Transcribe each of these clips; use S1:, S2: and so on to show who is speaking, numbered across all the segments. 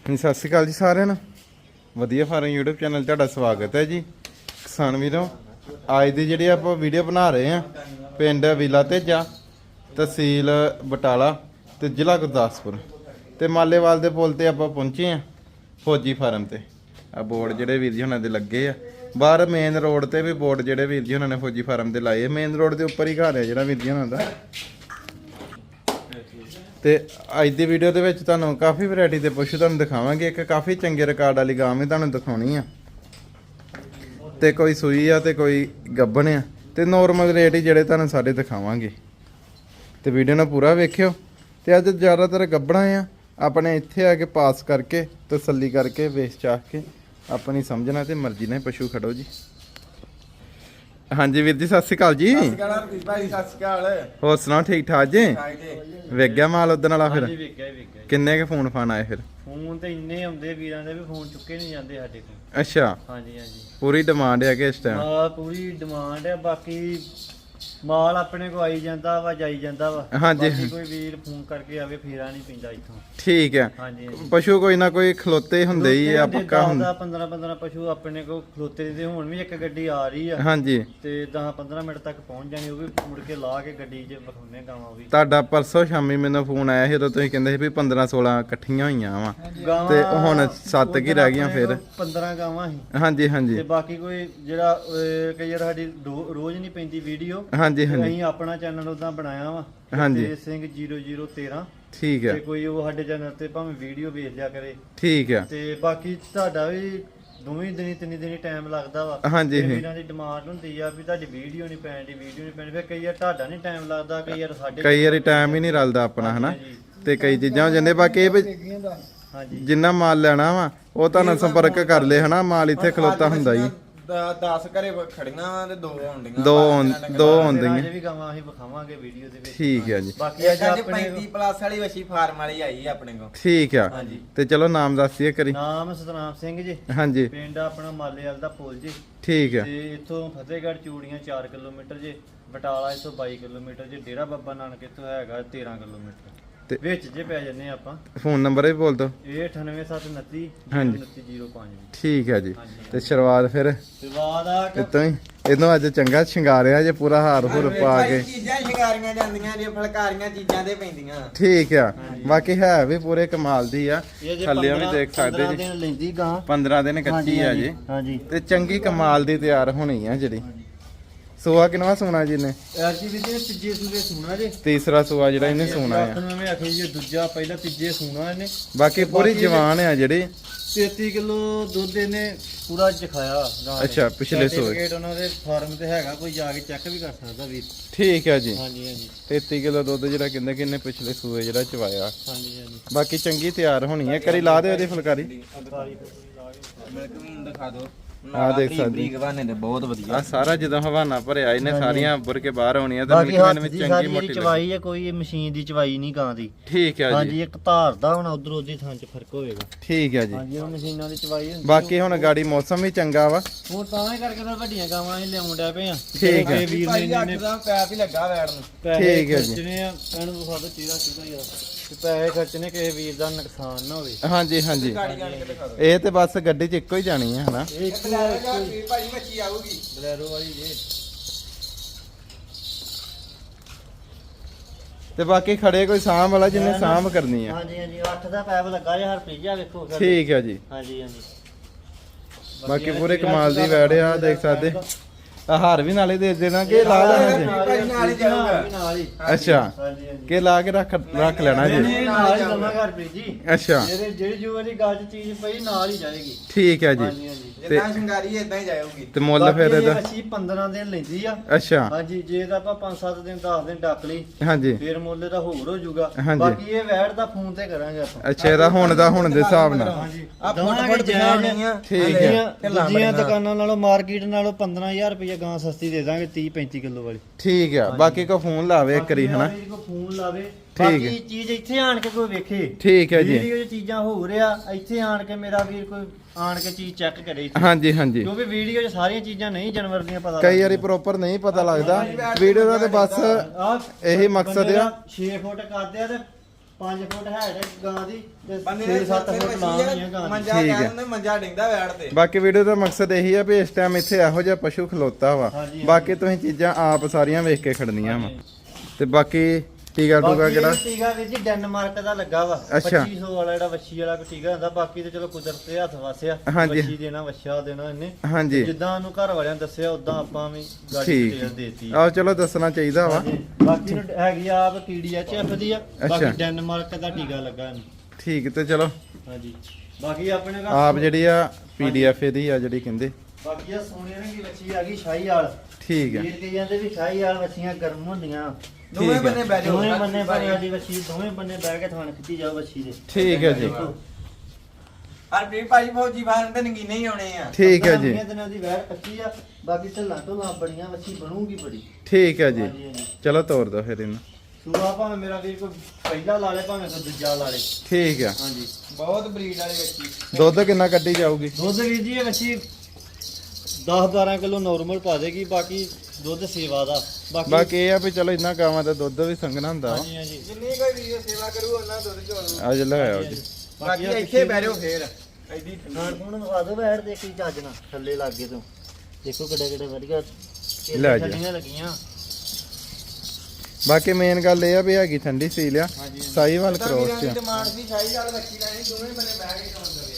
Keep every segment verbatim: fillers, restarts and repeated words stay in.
S1: ਸਤਿ ਸ਼੍ਰੀ ਅਕਾਲ ਜੀ ਸਾਰਿਆਂ ਨੂੰ। ਵਧੀਆ ਫਾਰਮ YouTube ਚੈਨਲ ਤੁਹਾਡਾ ਸਵਾਗਤ ਹੈ ਜੀ। ਕਿਸਾਨ ਵੀਰੋ, ਅੱਜ ਦੀ ਜਿਹੜੀ ਆਪਾਂ ਵੀਡੀਓ ਬਣਾ ਰਹੇ ਹਾਂ ਪਿੰਡ ਵਿਲਾ ਤੇਜਾ, ਤਹਿਸੀਲ ਬਟਾਲਾ ਤੇ ਜ਼ਿਲ੍ਹਾ ਗੁਰਦਾਸਪੁਰ ਤੇ ਮਾਲੇਵਾਲ ਦੇ ਪੁਲ ਤੇ ਆਪਾਂ ਪਹੁੰਚੇ ਹਾਂ ਫੌਜੀ ਫਾਰਮ ਤੇ। ਆ ਬੋਰਡ ਜਿਹੜੇ ਵੀਰ ਜੀ ਹੁਣਾਂ ਦੇ ਲੱਗੇ ਆ ਬਾਹਰ ਮੇਨ ਰੋਡ ਤੇ ਵੀ ਬੋਰਡ ਜਿਹੜੇ ਵੀਰ ਜੀ ਹੁਣਾਂ ਨੇ ਫੌਜੀ ਫਾਰਮ ਤੇ ਲਾਏ। ਮੇਨ ਰੋਡ ਦੇ ਉੱਪਰ ਹੀ ਘਰ ਹੈ ਜਿਹੜਾ ਵੀਰ ਜੀ ਹੁਣਾਂ ਦਾ। ਤੇ ਅੱਜ ਦੀ ਵੀਡੀਓ ਦੇ ਵਿੱਚ ਤੁਹਾਨੂੰ ਕਾਫੀ ਵੈਰਾਈਟੀ ਦੇ ਪਸ਼ੂ ਤੁਹਾਨੂੰ ਦਿਖਾਵਾਂਗੇ। ਇੱਕ ਕਾਫੀ ਚੰਗੇ ਰਿਕਾਰਡ ਵਾਲੀ ਗਾਂ ਵੀ ਤੁਹਾਨੂੰ ਦਿਖਾਉਣੀ ਆ ਤੇ ਕੋਈ ਸੂਈ ਆ ਤੇ ਕੋਈ ਗੱਭਣ ਆ ਤੇ ਨੋਰਮਲ ਰੇਟ ਹੀ ਜਿਹੜੇ ਤੁਹਾਨੂੰ ਸਾਰੇ ਦਿਖਾਵਾਂਗੇ। ਤੇ ਵੀਡੀਓ ਨੂੰ ਪੂਰਾ ਵੇਖਿਓ। ਤੇ ਅੱਜ ਜ਼ਿਆਦਾਤਰ ਗੱਭਣਾ ਆ ਆਪਣੇ ਇੱਥੇ ਆ ਕੇ ਪਾਸ ਕਰਕੇ ਤਸੱਲੀ ਕਰਕੇ ਵੇਚ ਚਾਹ ਕੇ ਆਪਣੀ ਸਮਝਣਾ ਤੇ ਮਰਜ਼ੀ ਨਾਲ ਪਸ਼ੂ ਖੜੋ ਜੀ। ਹਾਂਜੀ ਵੀਰ ਜੀ, ਸਤਿ ਸ਼੍ਰੀ ਅਕਾਲ ਜੀ।
S2: ਸਤਿ ਸ਼੍ਰੀ ਅਕਾਲ ਭਾਈ, ਸਤਿ ਸ਼੍ਰੀ ਅਕਾਲ।
S1: ਹੋਰ ਸੁਣਾਓ, ਠੀਕ ਠਾਕ ਜੀ? ਵੇਖ ਗਿਆ ਮਾਲ ਉਦਣ ਵਾਲਾ? ਫਿਰ ਕਿੰਨੇ ਕੇ ਫੋਨ ਫਾਨ ਆਏ? ਫਿਰ
S3: ਫੋਨ ਤੇ ਇੰਨੇ ਆਉਂਦੇ ਵੀਰਾਂ ਦੇ ਵੀ ਫੋਨ ਚੁੱਕੇ ਨਹੀਂ ਜਾਂਦੇ ਸਾਡੇ ਕੋਲ।
S1: ਅੱਛਾ,
S3: ਹਾਂਜੀ ਹਾਂਜੀ,
S1: ਪੂਰੀ ਡਿਮਾਂਡ ਹੈ ਕਿ ਇਸ ਟਾਈਮ?
S3: ਹਾਂ ਪੂਰੀ ਡਿਮਾਂਡ ਹੈ। ਬਾਕੀ ਮਾਲ ਆਪਣੇ ਕੋ ਆਈ ਜਾਂਦਾ ਵਾ, ਜਾਈ ਜਾਂਦਾ ਵਾ।
S1: ਹਾਂਜੀ।
S3: ਬਾਕੀ ਕੋਈ ਵੀਰ ਫੋਨ ਕਰਕੇ ਆਵੇ ਫੇਰਾ ਨਹੀਂ ਪੈਂਦਾ ਇੱਥੋਂ।
S1: ਠੀਕ ਹੈ।
S3: ਹਾਂਜੀ
S1: ਪਸ਼ੂ ਕੋਈ ਨਾ ਕੋਈ ਖਲੋਤੇ ਹੁੰਦੇ ਹੀ ਆ, ਪੱਕਾ ਹੁੰਦਾ।
S3: ਪੰਦਰਾਂ ਪੰਦਰਾਂ ਪਸ਼ੂ ਆਪਣੇ ਕੋ ਖਲੋਤੇ ਦੇ। ਹੁਣ ਵੀ ਇੱਕ ਗੱਡੀ ਆ ਰਹੀ ਆ।
S1: ਹਾਂਜੀ।
S3: ਤੇ ਦਸ ਪੰਦਰਾਂ ਮਿੰਟ ਤੱਕ ਪਹੁੰਚ ਜਾਣੀ। ਉਹ ਵੀ ਮੁੜ ਕੇ ਲਾ ਕੇ ਗੱਡੀ 'ਚ ਵਿਖਾਉਣੇ ਗਾਵਾਂ ਵੀ।
S1: ਤੁਹਾਡਾ ਪਰਸੋਂ ਸ਼ਾਮੀ ਮੈਨੂੰ ਫੋਨ ਆਇਆ ਸੀ, ਉਦੋਂ ਤੁਸੀਂ ਕਹਿੰਦੇ ਸੀ ਵੀ ਪੰਦਰਾਂ ਸੋਲਾਂ ਇਕੱਠੀਆਂ ਹੋਈਆਂ ਵਾ ਤੇ ਹੁਣ ਸੱਤ ਕੀ ਰਹਿ ਗਈਆਂ ਫਿਰ?
S3: ਪੰਦਰਾਂ ਗਾਵਾਂ ਸੀ।
S1: ਹਾਂਜੀ ਹਾਂਜੀ।
S3: ਤੇ ਬਾਕੀ ਕੋਈ ਜਿਹੜਾ ਅਹ, ਕਈ ਵਾਰ ਸਾਡੀ ਰੋ- ਰੋਜ਼ ਨਹੀਂ ਪੈਂਦੀ ਵੀਡੀਓ।
S1: ਹਾਂਜੀ ਹਾਂਜੀ।
S3: ਅਸੀਂ ਆਪਣਾ ਚੈਨਲ ਉਦਾਂ ਬਣਾਇਆ ਵਾ,
S1: ਹਾਂਜੀ।
S3: ਤੇ ਸਿੰਘ ਜ਼ੀਰੋ ਜ਼ੀਰੋ ਤੇਰਾਂ।
S1: ਠੀਕ ਹੈ।
S3: ਤੇ ਕੋਈ ਉਹ ਸਾਡੇ ਚੈਨਲ ਤੇ ਭਾਵੇਂ ਵੀਡੀਓ ਵੇਚ ਲਿਆ ਕਰੇ।
S1: ਠੀਕ ਹੈ।
S3: ਤੇ ਬਾਕੀ ਤੁਹਾਡਾ ਵੀ ਦੋਵੇਂ ਦਿਨੀ ਤਿੰਨ ਦਿਨੀ ਟਾਈਮ ਲੱਗਦਾ ਵਾ।
S1: ਹਾਂਜੀ।
S3: ਤੇ ਵੀਰਾਂ ਦੀ ਡਿਮਾਂਡ ਹੁੰਦੀ ਆ ਵੀ ਤੁਹਾਡੀ ਵੀਡੀਓ ਨਹੀਂ ਪੈਣੀ, ਵੀਡੀਓ ਨਹੀਂ ਪੈਣੀ। ਫਿਰ ਕਈ ਵਾਰ ਤੁਹਾਡਾ ਨਹੀਂ ਟਾਈਮ ਲੱਗਦਾ, ਕਈ ਵਾਰ ਸਾਡੇ
S1: ਕਈ ਵਾਰੀ ਟਾਈਮ ਹੀ ਨਹੀਂ ਰਲਦਾ ਆਪਣਾ, ਹਨਾ। ਤੇ ਕਈ ਚੀਜ਼ਾਂ ਹੋ ਜਾਂਦੇ। ਬਾਕੀ ਇਹ ਵੀ
S3: ਹਾਂਜੀ,
S1: ਜਿੰਨਾ ਮਾਲ ਲੈਣਾ ਵਾ ਉਹ ਤੁਹਾਨੂੰ ਸੰਪਰਕ ਕਰ ਲੇ, ਹਨਾ। ਮਾਲ ਇੱਥੇ ਖਲੋਤਾ ਹੁੰਦਾ ਜੀ।
S2: ਦਸ ਘਰੇ ਖੜੀਆਂ ਵਾ ਤੇ ਦੋ ਆਉਂਦੀਆਂ।
S1: ਦੋ ਦੋ ਆਉਂਦੀਆਂ।
S3: ਅੱਜ ਵੀ ਗਾਵਾਂ ਅਸੀਂ ਵਿਖਾਵਾਂਗੇ ਵੀਡੀਓ ਦੇ ਵਿੱਚ।
S1: ਠੀਕ ਹੈ ਜੀ।
S3: ਬਾਕੀ ਅੱਜ
S2: ਅੱਜ
S3: ਆਪਣੇ
S2: ਪੈਂਤੀ ਪਲੱਸ ਵਾਲੀ ਵਸ਼ੀ ਫਾਰਮ ਵਾਲੀ ਆਈ ਆਪਣੇ ਕੋਲ।
S1: ਠੀਕ ਆ।
S2: ਹਾਂਜੀ।
S1: ਤੇ ਚਲੋ ਨਾਮ ਦੱਸੀਏ ਕਰੀ।
S3: ਨਾਮ ਸਤਨਾਮ ਸਿੰਘ ਜੀ।
S1: ਹਾਂਜੀ।
S3: ਪਿੰਡ ਆਪਣਾ ਮਾਲੇਵਾਲ ਦਾ ਪੁਲ ਜੀ।
S1: ਠੀਕ ਆ।
S3: ਤੇ ਇੱਥੋਂ ਫਤਿਹਗੜ੍ਹ ਚੂੜੀਆਂ ਚਾਰ ਕਿਲੋਮੀਟਰ ਜੇ, ਬਟਾਲਾ ਇੱਥੋਂ ਬਾਈ ਕਿਲੋਮੀਟਰ ਜੇ, ਡੇਰਾ ਬਾਬਾ ਨਾਨਕ ਇੱਥੋਂ ਹੈਗਾ ਤੇਰਾਂ ਕਿਲੋਮੀਟਰ
S1: ਤੇ
S3: ਵਿੱਚ ਜੇ ਪੈ ਜੰਨੇ ਆਪਾਂ।
S1: ਫੋਨ ਨੰਬਰ ਵੀ ਬੋਲ ਦਿਓ।
S3: ਇਹ ਅਠਾਨਵੇਂ ਸੱਤ ਉਨੱਤੀ
S1: ਹਾਂਜੀ।
S3: ਉਨੱਤੀ ਜ਼ੀਰੋ ਪੰਜ।
S1: ਠੀਕ ਹੈ ਜੀ। ਤੇ ਸ਼ੁਰੂਆਤ ਫਿਰ
S3: ਤੇ ਬਾਅਦ ਆ ਕਿ
S1: ਇਤੋਂ ਹੀ ਇਹਨੂੰ ਅੱਜ ਚੰਗਾ ਸ਼ਿੰਗਾਰਿਆ ਜੇ, ਪੂਰਾ ਹਾਰ ਹੂਰ ਪਾ ਕੇ।
S2: ਚੀਜ਼ਾਂ ਸ਼ਿੰਗਾਰੀਆਂ ਜਾਂਦੀਆਂ ਜੇ, ਫਲਕਾਰੀਆਂ ਚੀਜ਼ਾਂ ਦੇ ਪੈਂਦੀਆਂ।
S1: ਠੀਕ ਆ। ਬਾਕੀ ਹੈ ਵੀ ਪੂਰੇ ਕਮਾਲ ਦੀ ਆ।
S3: ਇਹ ਜੇ
S1: ਥੱਲੇ ਵੀ ਦੇਖ ਸਕਦੇ
S3: ਪੰਦਰਾਂ
S1: ਜੀ।
S3: ਦਿਨ ਲੈਂਦੀ ਗਾਂ।
S1: ਪੰਦਰਾਂ ਦਿਨ ਕੱਚੀ ਆ ਜੀ।
S3: ਹਾਂਜੀ।
S1: ਤੇ ਚੰਗੀ ਕਮਾਲ ਦੀ ਤਿਆਰ ਹੋਣੀ ਆ ਜਿਹੜੀ। ਸੂਆ ਕਿਨਵਾ ਸੋਨਾ ਜੀ ਨੇ?
S3: ਐਰਜੀ ਵੀ ਜੀ ਤੀਜੇ ਸੂਏ ਸੂਣਾ ਜੇ।
S1: ਤੀਸਰਾ ਸੂਆ ਜਿਹੜਾ ਇਹਨੇ ਸੋਨਾ ਆ।
S3: ਮੈਂ ਆਖੀ ਜੀ ਦੂਜਾ, ਪਹਿਲਾ ਤੀਜੇ ਸੂਣਾ ਇਹਨੇ।
S1: ਬਾਕੀ ਪੂਰੀ ਜਵਾਨ ਆ ਜਿਹੜੀ।
S3: ਤੇਤੀ ਕਿਲੋ ਦੁੱਧ ਇਹਨੇ ਪੂਰਾ ਚਖਾਇਆ ਗਾਂ ਨੇ।
S1: ਅੱਛਾ, ਪਿਛਲੇ ਸੂਏ।
S3: ਸਰਟੀਫਿਕੇਟ ਉਹਨਾਂ ਦੇ ਫਾਰਮ ਤੇ ਹੈਗਾ, ਕੋਈ ਜਾ ਕੇ ਚੈੱਕ ਵੀ ਕਰ ਸਕਦਾ ਵੀਰ।
S1: ਠੀਕ ਹੈ ਜੀ।
S3: ਹਾਂਜੀ ਹਾਂਜੀ
S1: ਤੇਤੀ ਕਿਲੋ ਦੁੱਧ ਜਿਹੜਾ ਕਹਿੰਦੇ ਕਿ ਇਹਨੇ ਪਿਛਲੇ ਸੂਏ ਜਿਹੜਾ ਚਵਾਇਆ।
S3: ਹਾਂਜੀ ਹਾਂਜੀ।
S1: ਬਾਕੀ ਚੰਗੀ ਤਿਆਰ ਹੋਣੀ ਹੈ। ਕਰੀ ਲਾ ਦੇ ਉਹਦੀ ਫੁਲਕਾਰੀ।
S2: ਮਿਲਕ ਵੀ ਦਿਖਾ ਦਿਓ।
S1: ਆਹ ਦੇਖ ਸਕਦੇ।
S2: ਬਰੀਕ ਬਹਾਨੇ ਤੇ ਬਹੁਤ ਵਧੀਆ।
S1: ਆ ਸਾਰਾ ਜਦੋਂ ਹਵਾਨਾ ਭਰਿਆ ਇਹਨੇ ਸਾਰੀਆਂ ਉੱਭਰ ਕੇ ਬਾਹਰ ਆਉਣੀਆਂ ਤੇ
S3: ਬਾਕੀ
S1: ਮਿਲਕ
S3: ਹੱਥ
S1: ਮੈਨ ਵਿੱਚ
S3: ਦੀ
S1: ਚੰਗੀ
S3: ਸਾਰੀ
S1: ਮੋਟੀ
S3: ਜਿਹੜੀ
S1: ਲੱਗੀ।
S3: ਚਵਾਈ ਹੈ, ਕੋਈ ਮਸ਼ੀਨ ਦੀ ਚਵਾਈ ਨਹੀਂ ਗਾਂ ਦੀ।
S1: ਠੀਕ ਹੈ ਜੀ।
S3: ਹਾਂਜੀ, ਇੱਕ ਧਾਰ ਦਾ ਹੁਣ ਉਧਰ ਉਹਦੀ ਥਾਂ 'ਚ ਫਰਕ ਹੋਵੇਗਾ।
S1: ਠੀਕ ਹੈ ਜੀ।
S3: ਹਾਂਜੀ, ਉਹ ਮਸ਼ੀਨਾਂ ਦੀ ਚਵਾਈ ਹੁੰਦੀ।
S1: ਬਾਕੀ ਹੁਣ ਗਾੜੀ ਮੌਸਮ ਵੀ ਚੰਗਾ ਵਾ।
S3: ਹੁਣ ਤਾਂ ਹੀ ਕਰਕੇ ਤਾਂ ਵੱਡੀਆਂ ਗਾਵਾਂ ਅਸੀਂ ਲਿਆਉਣ ਡਿਆ ਪਏ ਆ।
S1: ਠੀਕ ਹੈ।
S3: ਵੀਰ
S2: ਭਾਈ
S3: ਨੇ
S2: ਅੱਠ ਦਾ ਪੈਪ ਹੀ ਲੱਗਾ ਵੈੜ ਨੂੰ।
S3: ਪੈਸੇ
S1: ਠੀਕ ਹੈ ਜੀ।
S3: ਖਰਚਣੇ ਆ, ਇਹਨੂੰ ਵਿਖਾ ਦਿਓ ਚਿਹਰਾ ਸਿੱਧਾ ਹੀ ਆ। ਤੇ ਪੈਸੇ ਖਰਚਣੇ ਕਿਸੇ ਵੀਰ ਦਾ ਨੁਕਸਾਨ ਨਾ ਹੋਵੇ।
S1: ਹਾਂਜੀ ਹਾਂਜੀ।
S2: ਗਾੜੀ ਗਾੜੀ ਕੇ ਦਿਖਾ ਦਿਓ।
S1: ਇਹ ਤੇ ਬਸ ਗੱਡੀ 'ਚ ਇੱਕੋ ਹੀ ਜਾਣੀ ਹੈ, ਹਨਾ।
S3: ਇਹ ਇੱਕ
S2: ਭਾਈ ਮੱਛੀ ਆਊਗੀ।
S3: ਬਲੈਰੋ ਵਾਲੀ ਜੇ।
S1: ਤੇ ਬਾਕੀ ਖੜੇ ਕੋਈ ਸਾਂਭ ਵਾਲਾ ਜਿਹਨੇ ਸਾਂਭ ਕਰਨੀ ਆ।
S3: ਹਾਂਜੀ ਹਾਂਜੀ, ਅੱਠ ਦਾ ਪੈਪ ਲੱਗਾ ਜੇ ਹਰਪ੍ਰੀਤ ਜੀ, ਵੇਖੋ।
S1: ਠੀਕ ਹੈ ਜੀ।
S3: ਹਾਂਜੀ ਹਾਂਜੀ।
S1: ਬਾਕੀ ਪੂਰੇ ਕਮਾਲ ਦੀ ਵੈੜ ਆ, ਦੇਖ ਸਕਦੇ। ਆ ਹਾਰ ਵੀ ਨਾਲੇ ਦੇ ਦੇਣਾ ਕਿ ਲਾ ਲੈਣਾ ਜੀ?
S2: ਨਾਲ ਹੀ ਜਾਊਗਾ।
S3: ਨਾਲ ਹੀ।
S1: ਅੱਛਾ,
S3: ਹਾਂਜੀ ਹਾਂਜੀ।
S1: ਕਿ ਲਾ ਕੇ ਰੱਖ ਰੱਖ ਲੈਣਾ ਜੀ?
S3: ਇਹ ਨਾਲ ਹੀ ਦਵਾਂਗਾ ਹਰਪ੍ਰੀਤ ਜੀ।
S1: ਅੱਛਾ,
S3: ਜਿਹੜੇ ਜਿਹੜੀ ਜੋ ਵਾਲੀ ਗੱਲ 'ਚ ਚੀਜ਼ ਪਈ ਨਾਲ ਹੀ ਜਾਏਗੀ।
S1: ਠੀਕ ਹੈ ਜੀ।
S3: ਹਾਂਜੀ ਹਾਂਜੀ।
S2: ਜਿੱਦਾਂ ਸ਼ਿੰਗਾਰੀ ਇਦਾਂ ਹੀ ਜਾਊਗੀ।
S1: ਤੇ ਮੁੱਲ ਫਿਰ ਇਹਦਾ?
S3: ਅਸੀਂ ਪੰਦਰਾਂ ਦਿਨ ਲੈਂਦੀ ਆ।
S1: ਅੱਛਾ।
S3: ਹਾਂਜੀ, ਜੇ ਤਾਂ ਆਪਾਂ ਪੰਜ ਸੱਤ ਦਿਨ ਦਸ ਦਿਨ ਡੱਕ ਲਈ
S1: ਹਾਂਜੀ।
S3: ਫਿਰ ਮੁੱਲ ਦਾ ਹੋਰ ਹੋ ਜਾਊਗਾ।
S1: ਹਾਂਜੀ।
S3: ਬਾਕੀ ਇਹ ਵੈਟ ਦਾ ਫੋਨ ਤੇ ਕਰਾਂਗੇ ਆਪਾਂ।
S1: ਅੱਛਾ, ਇਹਦਾ ਹੁਣ ਦਾ ਹੁਣ ਦੇ ਹਿਸਾਬ ਨਾਲ।
S3: ਹਾਂਜੀ,
S2: ਆ ਫੁੱਟ
S3: ਦਵਾਂਗੇ
S2: ਫੁੱਟ
S3: ਜਾਇਜ਼।
S2: ਦਿਖਾਉਣੀਆਂ।
S1: ਠੀਕ ਹੈ।
S3: ਦੂਜੀਆਂ ਦੂਜੀਆਂ ਦੁਕਾਨਾਂ ਨਾਲੋਂ ਮਾਰਕੀਟ ਨਾਲੋਂ ਪੰਦਰਾਂ ਹਜ਼ਾਰ ਰੁਪਏ ਗਾਂ ਸਸਤੀ ਦੇ ਦਾਂਗੇ, ਤੀਹ ਪੈਂਤੀ ਕਿਲੋ ਵਾਲੀ।
S1: ਠੀਕ ਆ। ਬਾਕੀ ਕੋ ਫੋਨ ਲਾਵੇ ਇੱਕ ਵਾਰੀ, ਹਨਾ।
S3: ਬਾਕੀ ਕੋਈ ਫੋਨ ਲਾਵੇ।
S1: ਠੀਕ ਹੈ।
S3: ਬਾਕੀ ਚੀਜ਼ ਇੱਥੇ ਆਣ ਕੇ ਕੋਈ ਵੇਖੇ।
S1: ਠੀਕ ਹੈ ਜੀ।
S3: ਵੀਡੀਓ 'ਚ ਚੀਜ਼ਾਂ ਹੋ ਰਿਹਾ, ਇੱਥੇ ਆਣ ਕੇ ਮੇਰਾ ਵੀਰ ਕੋਈ ਆਣ ਕੇ ਚੀਜ਼ ਚੈੱਕ ਕਰੇ ਇੱਥੇ।
S1: ਹਾਂਜੀ ਹਾਂਜੀ।
S3: ਕਿਉਂਕਿ ਵੀਡੀਓ 'ਚ ਸਾਰੀਆਂ ਚੀਜ਼ਾਂ ਨਹੀਂ ਜਾਨਵਰ ਦੀਆਂ ਪਤਾ
S1: ਕਈ ਵਾਰੀ ਪ੍ਰੋਪਰ ਨਹੀਂ ਪਤਾ ਲੱਗਦਾ ਵੀਡੀਓ ਦਾ, ਤੇ ਬਸ
S3: ਆਹ
S1: ਇਹੀ ਮਕਸਦ
S3: ਬੰਦੇ
S1: ਆ।
S3: ਦਾ ਛੇ ਫੁੱਟ ਕਰਦੇ ਆ ਤੇ ਪੰਜ ਫੁੱਟ ਹਾਈਟ ਹੈ ਗਾਂ ਦੀ ਤੇ
S2: ਬੰਦੇ
S3: ਛੇ
S2: ਦੇ
S3: ਸੱਤ
S2: ਸੱਤ
S3: ਫੁੱਟ ਲਾਂ ਹੋਈਆਂ ਗਾਂ ਦੀ
S2: ਮੰਜਾ
S1: ਠੀਕ ਹੈ।
S2: ਕਹਿੰਦੇ ਮੰਜਾ ਡਿੰਗਦਾ ਵੈੜ ਤੇ
S1: ਬਾਕੀ ਵੀਡੀਓ ਦਾ ਮਕਸਦ ਇਹੀ ਆ ਵੀ ਇਸ ਟਾਈਮ ਇੱਥੇ ਇਹੋ ਜਿਹਾ ਪਸ਼ੂ ਖਲੋਤਾ ਵਾ
S3: ਹਾਂਜੀ,
S1: ਬਾਕੀ ਤੁਸੀਂ ਚੀਜ਼ਾਂ ਆਪ ਸਾਰੀਆਂ ਵੇਖ ਕੇ ਖੜਨੀਆਂ ਵਾ ਤੇ ਬਾਕੀ ਟੀਕਾ ਟੂਕਾ
S3: ਬਾਕੀ
S1: ਕਿਹੜਾ
S3: ਇਹ ਟੀਕਾ ਵੀਰ ਜੀ ਡੈਨਮਾਰਕ ਦਾ ਲੱਗਾ ਵਾ
S1: ਅੱਛਾ।
S3: ਪੱਚੀ ਸੌ ਵਾਲਾ ਜਿਹੜਾ ਵੱਛੀ ਵਾਲਾ ਕੋਈ ਟੀਕਾ ਹੁੰਦਾ ਬਾਕੀ ਤੇ ਚਲੋ ਕੁਦਰਤ ਦੇ ਹੱਥ ਵਾਸਿਆ
S1: ਹਾਂਜੀ।
S3: ਵੱਛੀ ਦੇਣਾ ਵੱਛਾ ਦੇਣਾ ਇਹਨੇ
S1: ਹਾਂਜੀ
S3: ਜਿੱਦਾਂ ਉਹਨੂੰ ਘਰ ਵਾਲਿਆਂ ਨੇ ਦੱਸਿਆ ਉਦਾਂ ਆਪਾਂ ਵੀ ਗਾੜੀ
S1: ਠੀਕ
S3: ਡਿਟੇਲ ਦੇਤੀ
S1: ਆਹ ਚਲੋ ਦੱਸਣਾ ਚਾਹੀਦਾ ਵਾ
S3: ਹਾਂਜੀ। ਬਾਕੀ ਨੂੰ ਹੈਗੀ ਆ ਆਪ ਕੀੜੀ ਐਚ ਐਫ ਦੀ ਆ
S1: ਅੱਛਾ।
S3: ਬਾਕੀ ਡੈਨਮਾਰਕ ਦਾ ਟੀਕਾ ਲੱਗਾ ਇਹਨੂੰ
S1: ਠੀਕ ਤੇ ਚਲੋ
S3: ਹਾਂਜੀ ਬਾਕੀ ਆਪਣੇ ਘਰ
S1: ਆਪ ਜਿਹੜੀ ਆ ਪੀਡੀਐਫ ਇਹਦੀ ਆ ਜਿਹੜੀ ਕਹਿੰਦੇ
S3: ਬਾਕੀ ਆ ਸੋਨੇ ਰੰਗੀ ਵੱਛੀ ਆ ਗਈ ਸ਼ਾਹੀ ਵਾਲ
S1: ਠੀਕ ਆ
S3: ਵੀਰ ਕਈਆਂ ਦੇ ਵੀ ਸ਼ਾਹੀ ਵਾਲ ਵੱਛੀਆਂ ਗਰਮ ਹੁੰਦੀਆਂ
S2: ਦੋਵੇਂ
S1: ਠੀਕ ਹੈ।
S2: ਬੰਨੇ ਬਹਿ ਜਾਓ
S3: ਦੋਵੇਂ ਬੰਨੇ ਬਹਿ ਸਾਡੀ ਵੱਛੀ ਦੋਵੇਂ ਬੰਨੇ ਬਹਿ ਕੇ ਥਾਣ ਖਿੱਚੀ ਜਾਓ ਵੱਛੀ ਦੇ
S1: ਠੀਕ ਹੈ ਜੀ
S2: ਹਰਪ੍ਰੀਤ ਭਾਜੀ ਫੌਜੀ ਫਾਰਨ ਤੇ ਨਗੀਨੇ ਹੀ ਆਉਣੇ ਆ
S1: ਠੀਕ ਹੈ ਜੀ
S3: ਪੰਦਰਾਂ ਦਿਨਾਂ ਦੀ ਵੈਰ ਕੱਚੀ ਆ ਬਾਕੀ ਢੱਲਾਂ ਢੋਲਾਂ ਬੜੀਆਂ ਵੱਛੀ ਬਣੂਗੀ ਬੜੀ
S1: ਠੀਕ ਹੈ ਜੀ
S3: ਹਾਂਜੀ ਹਾਂਜੀ
S1: ਚਲੋ ਤੋਰ ਦੋ ਫਿਰ ਇਹਨੂੰ
S3: ਸੂਆ ਭਾਵੇਂ ਮੇਰਾ ਵੀਰ ਕੋਈ ਪਹਿਲਾ ਲਾ ਲੇ ਭਾਵੇਂ ਕੋਈ ਦੂਜਾ ਲਾ ਲੇ
S1: ਠੀਕ ਆ
S3: ਹਾਂਜੀ
S2: ਬਹੁਤ ਬਰੀਡ ਵਾਲੀ ਬੱਚੀ
S1: ਦੁੱਧ ਕਿੰਨਾ ਕੱਢੀ ਜਾਊਗੀ
S3: ਦੁੱਧ ਵੀਰ ਜੀ ਇਹ ਵੱਛੀ ਦਸ ਬਾਰਾਂ ਕਿਲੋ ਨਾਰਮਲ ਪਾ ਦੇਗੀ ਬਾਕੀ ਦੁੱਧ ਸੇਵਾ ਦਾ
S1: ਬਾਕੀ ਇਹ ਆ ਵੀ ਚਲੋ ਇੰਨਾ ਗਾਵਾਂ ਦਾ ਦੁੱਧ ਵੀ ਸੰਘਣਾ ਹੁੰਦਾ ਵਾ
S3: ਹਾਂਜੀ ਹਾਂਜੀ
S2: ਜਿੰਨੀ ਕੋਈ ਵੀਡੀਓ ਸੇਵਾ ਕਰੂ ਉਹਨਾਂ ਦੁੱਧ ਚੋਣੂ
S1: ਅੱਜ ਲੈ ਆਓ ਜੀ
S2: ਬਾਕੀ ਇੱਥੇ ਬਹਿ ਜਾਓ ਫੇਰ ਐਡੀ ਠੰਡੀ
S3: ਖਾਣ ਖੂਣ ਵਿਖਾ ਦਿਓ ਬੈਠ ਦੇ ਕੀ ਚੱਜ ਨਾਲ ਥੱਲੇ ਲੱਗੇ ਤੋਂ ਦੇਖੋ ਕਿੱਡੇ ਕਿੱਡੇ ਵਧੀਆ
S1: ਲੈ ਜੀ।
S3: ਛੱਲੀਆਂ ਲੱਗੀਆਂ
S1: ਬਾਕੀ ਮੇਨ ਗੱਲ ਇਹ ਆ ਵੀ ਹੈਗੀ ਠੰਡੀ ਸੀਲ ਆ
S3: ਹਾਂਜੀ
S1: ਸਾਈਵਾਲ
S2: ਤਾਂ
S1: ਕ੍ਰੋਸ
S2: ਵੀਰਾਂ ਦੀ
S1: ਚ
S2: ਡਿਮਾਂਡ ਦੀ ਸ਼ਾਹੀ ਵਾਲ ਬੱਚੀ ਲੈਣੀ ਦੋਵੇਂ ਬੰਨੇ ਬਹਿ ਕੇ ਖਾਣ ਦੇਵੇ